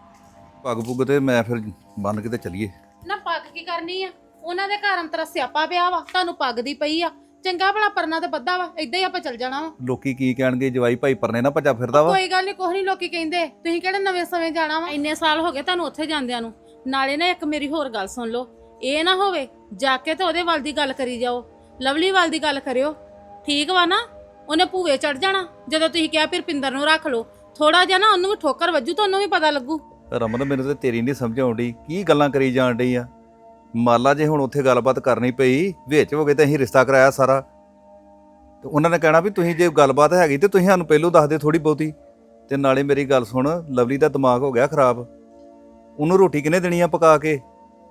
Speaker 4: ਪੱਗ ਪੁੱਗ ਤੇ ਮੈਂ ਫਿਰ ਬੰਨ ਕੇ ਤੇ ਚੱਲੀਏ।
Speaker 5: ਨਾ ਪੱਗ ਕੀ ਕਰਨੀ ਆ? ਉਹਨਾਂ ਦੇ ਘਰ ਅੰਤਰਾ ਸਿਆਪਾ ਪਿਆ ਵਾ, ਤੁਹਾਨੂੰ ਪੱਗ ਦੀ ਪਈ ਆ। ਚੰਗਾ ਭਲਾ ਪਰਨਾ ਤੇ ਬੱਧਾ ਵਾ, ਏਦਾਂ ਹੀ ਆਪਾਂ ਚੱਲ ਜਾਣਾ ਵਾ।
Speaker 4: ਲੋਕੀ ਕੀ ਕਹਿਣਗੇ? ਜਵਾਈ ਭਾਈ ਪਰਨੇ ਨਾ ਭੱਜਾ ਫਿਰਦਾ ਵਾ।
Speaker 5: ਕੋਈ ਗੱਲ ਨਹੀਂ, ਕੁਛ ਨਹੀਂ ਲੋਕੀ ਕਹਿੰਦੇ। ਤੁਸੀਂ ਕਿਹੜੇ ਨਵੇਂ ਸਮੇਂ ਜਾਣਾ ਵਾ? ਇੰਨੇ ਸਾਲ ਹੋ ਗਏ ਤੁਹਾਨੂੰ ਉੱਥੇ ਜਾਂਦਿਆਂ ਨੂੰ। ਨਾਲੇ ਨਾ ਇੱਕ ਮੇਰੀ ਹੋਰ ਗੱਲ ਸੁਣ ਲਓ, ਇਹ ਨਾ ਹੋਵੇ ਜਾ ਕੇ ਤੇ ਉਹਦੇ ਵੱਲ ਦੀ ਗੱਲ ਕਰੀ ਜਾਓ, ਲਵਲੀ ਵੱਲ ਦੀ ਗੱਲ ਕਰਿਓ, ਠੀਕ ਵਾ ਨਾ? ਉਹਨੇ ਭੂਵੇ ਚੜ ਜਾਣਾ ਜਦੋਂ ਤੁਸੀਂ ਕਿਹਾ ਫਿਰ ਪਿੰਦਰ ਨੂੰ ਰੱਖ ਲਓ। ਥੋੜਾ ਜਿਹਾ ਨਾ ਉਹਨੂੰ ਵੀ ਠੋਕਰ ਵੱਜੂ, ਤੁਹਾਨੂੰ ਵੀ ਪਤਾ ਲੱਗੂ।
Speaker 4: ਰਮਨ ਮੈਨੂੰ ਤੇ ਤੇਰੀ ਨਹੀਂ ਸਮਝ ਆਉਂਦੀ, ਕੀ ਗੱਲਾਂ ਕਰੀ ਜਾਣ ਡਈ ਆ। ਮਾਲਾ ਜੇ ਹੁਣ ਉੱਥੇ ਗੱਲਬਾਤ ਕਰਨੀ ਪਈ ਵਿੱਚ ਹੋ ਗਏ ਤੇ ਅਸੀਂ ਰਿਸ਼ਤਾ ਕਰਾਇਆ ਸਾਰਾ, ਤੇ ਉਹਨਾਂ ਨੇ ਕਹਿਣਾ ਵੀ ਤੁਸੀਂ ਜੇ ਗੱਲਬਾਤ ਹੈਗੀ ਤੇ ਤੁਸੀਂ ਸਾਨੂੰ ਪਹਿਲੋਂ ਦੱਸ ਦੇ ਥੋੜੀ ਬਹੁਤੀ। ਤੇ ਨਾਲੇ ਮੇਰੀ ਗੱਲ ਸੁਣ, ਲਵਲੀ ਦਾ ਦਿਮਾਗ ਹੋ ਗਿਆ ਖਰਾਬ। ਉਹਨੂੰ ਰੋਟੀ ਕਿਹਨੇ ਦੇਣੀ ਆ ਪਕਾ ਕੇ?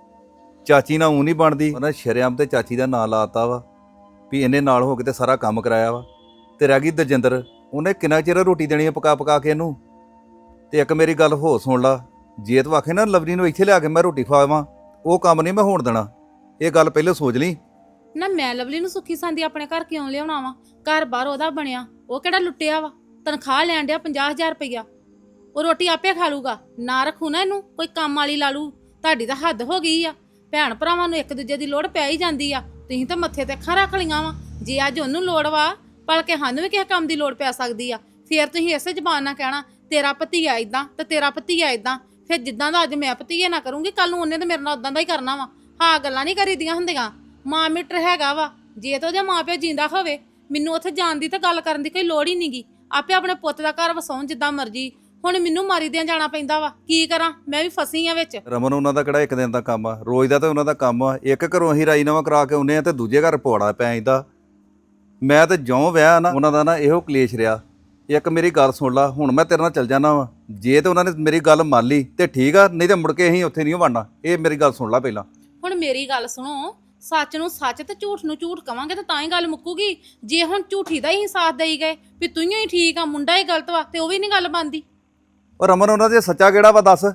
Speaker 4: ਚਾਚੀ ਨਾਲ ਉਹ ਨਹੀਂ ਬਣਦੀ। ਉਹਨਾਂ ਸ਼ਰੇਆਮ ਤੇ ਚਾਚੀ ਦਾ ਨਾਂ ਲਾਤਾ ਵਾ ਵੀ ਇਹਨੇ ਨਾਲ ਹੋ ਕੇ ਤੇ ਸਾਰਾ ਕੰਮ ਕਰਾਇਆ ਵਾ। ਤੇ ਰਹਿ ਗਈ ਦਜਿੰਦਰ, ਉਹਨੇ ਕਿੰਨਾ ਚਿਰ ਰੋਟੀ ਦੇਣੀ ਆ ਪਕਾ ਕੇ ਇਹਨੂੰ। ਤੇ ਇੱਕ ਮੇਰੀ ਗੱਲ ਹੋਰ ਸੁਣ ਲਾ, ਜੇ ਤੂੰ ਆਖੇ ਨਾ ਲਵਲੀ ਨੂੰ ਇੱਥੇ ਲਿਆ ਕੇ ਮੈਂ ਰੋਟੀ ਖਵਾਵਾਂ, ਉਹ ਕੰਮ ਨਹੀਂ ਮੈਂ ਹੋਣ ਦੇਣਾ। ਇਹ ਗੱਲ ਪਹਿਲਾਂ ਸੋਚ ਲਈ
Speaker 5: ਨਾ। ਮੈਂ ਲਵਲੀ ਨੂੰ ਸੁੱਖੀ ਸੰਦੀ ਆਪਣੇ ਘਰ ਕਿਉਂ ਲਿਆਉਣਾ ਵਾ? ਘਰ ਬਾਹਰ ਉਹਦਾ ਬਣਿਆ, ਉਹ ਕਿਹੜਾ ਲੁੱਟਿਆ ਵਾ? ਤਨਖਾਹ ਲੈਣ ਡਿਆ 50,000 ਰੁਪਈਆ। ਉਹ ਰੋਟੀ ਆਪੇ ਖਾ ਲੂਗਾ। ਨਾ ਰੱਖੂ ਨਾ ਇਹਨੂੰ, ਕੋਈ ਕੰਮ ਵਾਲੀ ਲਾ ਲੂ। ਤੁਹਾਡੀ ਤਾਂ ਹੱਦ ਹੋ ਗਈ ਆ। ਭੈਣ ਭਰਾਵਾਂ ਨੂੰ ਇੱਕ ਦੂਜੇ ਦੀ ਲੋੜ ਪੈ ਹੀ ਜਾਂਦੀ ਆ, ਤੁਸੀਂ ਤਾਂ ਮੱਥੇ ਤੇ ਅੱਖਾਂ ਰੱਖ ਲਈਆਂ ਵਾ। ਜੇ ਅੱਜ ਉਹਨੂੰ ਲੋੜ ਵਾ, ਭਲਕੇ ਸਾਨੂੰ ਵੀ ਕਿਸੇ ਕੰਮ ਦੀ ਲੋੜ ਪੈ ਸਕਦੀ ਆ। ਫੇਰ ਤੁਸੀਂ ਇਸੇ ਜ਼ਬਾਨ ਨਾਲ ਕਹਿਣਾ ਤੇਰਾ ਭਤੀਆ ਇਦਾਂ ਤੇ ਤੇਰਾ ਭਤੀਆ ਇਦਾਂ। ਫਿਰ ਜਿੱਦਾਂ ਦਾ ਅੱਜ ਮੈਂ ਭਤੀਏ ਨਾ ਕਰੂੰਗੀ, ਕੱਲ ਨੂੰ ਉਹਨੇ ਤਾਂ ਮੇਰੇ ਨਾਲ ਉਦਾਂ ਦਾ ਹੀ ਕਰਨਾ ਵਾ। ਹਾਂ, ਗੱਲਾਂ ਨਹੀਂ ਕਰੀਦੀਆਂ ਹੁੰਦੀਆਂ। ਮਾਂ ਮੀਟਰ ਹੈਗਾ ਵਾ। ਜੇ ਤਾਂ ਉਹਦਾ ਮਾਂ ਪਿਓ ਜਿੰਦਾ ਹੋਵੇ, ਮੈਨੂੰ ਉੱਥੇ ਜਾਣ ਦੀ ਤਾਂ ਗੱਲ ਕਰਨ ਦੀ ਕੋਈ ਲੋੜ ਹੀ ਨਹੀਂਗੀ। ਆਪੇ ਆਪਣੇ ਪੁੱਤ ਦਾ ਘਰ ਵਸਾਉਣ ਜਿੱਦਾਂ ਮਰਜ਼ੀ। ਹੁਣ ਮੈਨੂੰ ਮਾਰੀ ਦਿਆਂ ਜਾਣਾ ਪੈਂਦਾ ਵਾ, ਕੀ ਕਰਾਂ? ਮੈਂ ਵੀ ਫਸੀ ਆ ਵਿੱਚ।
Speaker 4: ਰਮਨ ਉਹਨਾਂ ਦਾ ਕਿਹੜਾ ਇੱਕ ਦਿਨ ਦਾ ਕੰਮ ਆ? ਰੋਜ਼ ਦਾ ਤਾਂ ਉਹਨਾਂ ਦਾ ਕੰਮ ਆ। ਇੱਕ ਘਰੋਂ ਅਸੀਂ ਰਾਜੀਨਾਮਾ ਕਰਾ ਕੇ ਆਉਂਦੇ ਆ ਤੇ ਦੂਜੇ ਘਰ ਪਵਾੜਾ ਪੈ ਜਾਂਦਾ। ਮੈਂ ਤੇ ਜਿਉਂ ਵਿਆਹ ਨਾ ਉਹਨਾਂ ਦਾ ਨਾ ਇਹੋ ਕਲੇਸ਼ ਰਿਹਾ। ਇੱਕ ਮੇਰੀ ਗੱਲ ਸੁਣ ਲਾ, ਹੁਣ ਮੈਂ ਤੇਰੇ ਨਾਲ ਚੱਲ ਜਾਣਾ ਵਾ। ਜੇ ਤੇ ਉਹਨਾਂ ਨੇ ਮੇਰੀ ਗੱਲ ਮੰਨ ਲਈ ਤੇ ਠੀਕ ਆ, ਨਹੀਂ ਤੇ ਮੁੜ ਕੇ ਅਸੀਂ ਉੱਥੇ ਨਹੀਂ ਵੜਨਾ। ਇਹ ਮੇਰੀ ਗੱਲ ਸੁਣ ਲਾ ਪਹਿਲਾਂ।
Speaker 5: ਹੁਣ ਮੇਰੀ ਗੱਲ ਸੁਣੋ, ਸੱਚ ਨੂੰ ਸੱਚ ਤੇ ਝੂਠ ਨੂੰ ਝੂਠ ਕਵਾਂਗੇ ਤਾਂ ਹੀ ਗੱਲ ਮੁੱਕੂਗੀ। ਜੇ ਹੁਣ ਝੂਠੀ ਦਾ ਹੀ ਸਾਥ ਦੇਈ ਗਏ ਵੀ ਤੂੰ ਹੀ ਠੀਕ ਆ, ਮੁੰਡਾ ਹੀ ਗਲਤ ਵਾ, ਤੇ ਉਹ ਵੀ ਨਹੀਂ ਗੱਲ ਬਣਦੀ।
Speaker 4: ਉਹ ਰਮਨ ਉਹਨਾਂ ਦੇ ਸੱਚਾ ਕਿਹੜਾ ਵਾ ਦੱਸ?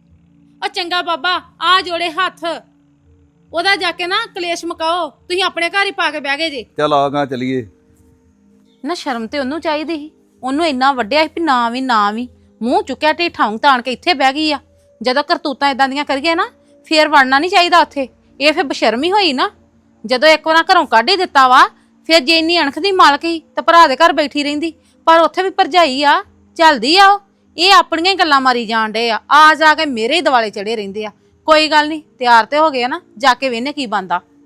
Speaker 5: ਉਹ ਚੰਗਾ ਬਾਬਾ, ਆ ਜੋੜੇ ਹੱਥ, ਉਹਦਾ ਜਾ ਕੇ ਨਾ ਕਲੇਸ਼ ਮੁਕਾਓ। ਤੁਸੀਂ ਆਪਣੇ ਘਰ ਹੀ ਪਾ ਕੇ ਬਹਿ ਗਏ ਜੇ।
Speaker 4: ਚੱਲ ਆ ਗਾ ਚਲੀਏ।
Speaker 5: ਨਾ ਸ਼ਰਮ ਤੇ ਉਹਨੂੰ ਚਾਹੀਦੀ ਸੀ। ਉਹਨੂੰ ਇੰਨਾ ਵੱਡਿਆ ਸੀ ਵੀ ਨਾ ਵੀ ਮੂੰਹ ਚੁੱਕਿਆ ਢੀਠਾਂ ਤਾਣ ਕੇ ਇੱਥੇ ਬਹਿ ਗਈ ਆ। ਜਦੋਂ ਕਰਤੂਤਾਂ ਇਦਾਂ ਦੀਆਂ ਕਰੀਏ ਨਾ, ਫੇਰ ਵੜਨਾ ਨਹੀਂ ਚਾਹੀਦਾ ਉੱਥੇ। ਇਹ ਫਿਰ ਬਸ਼ਰਮੀ ਹੋਈ ਨਾ। ਜਦੋਂ ਇੱਕ ਵਾਰ ਘਰੋਂ ਕੱਢ ਹੀ ਦਿੱਤਾ ਵਾ, ਫਿਰ ਜੇ ਇੰਨੀ ਅਣਖ ਦੀ ਮਾਲਕ ਸੀ ਤਾਂ ਭਰਾ ਦੇ ਘਰ ਬੈਠੀ ਰਹਿੰਦੀ। ਪਰ ਉੱਥੇ ਵੀ ਭਰਜਾਈ ਆ, ਚੱਲਦੀ ਆ। ਉਹ ਇਹ ਆਪਣੀਆਂ ਹੀ ਗੱਲਾਂ ਮਾਰੀ ਜਾਣ ਡੇ ਆ ਜਾ ਕੇ ਮੇਰੇ ਹੀ ਦਿਵਾਲੇ ਚੜੇ ਰਹਿੰਦੇ ਆ। ਕੋਈ ਗੱਲ ਨਹੀਂ, ਤਿਆਰ ਤੇ ਹੋ ਗਏ ਨਾ, ਜਾ ਕੇ ਵੇਖਨੇ ਕੀ ਬਣਦਾ।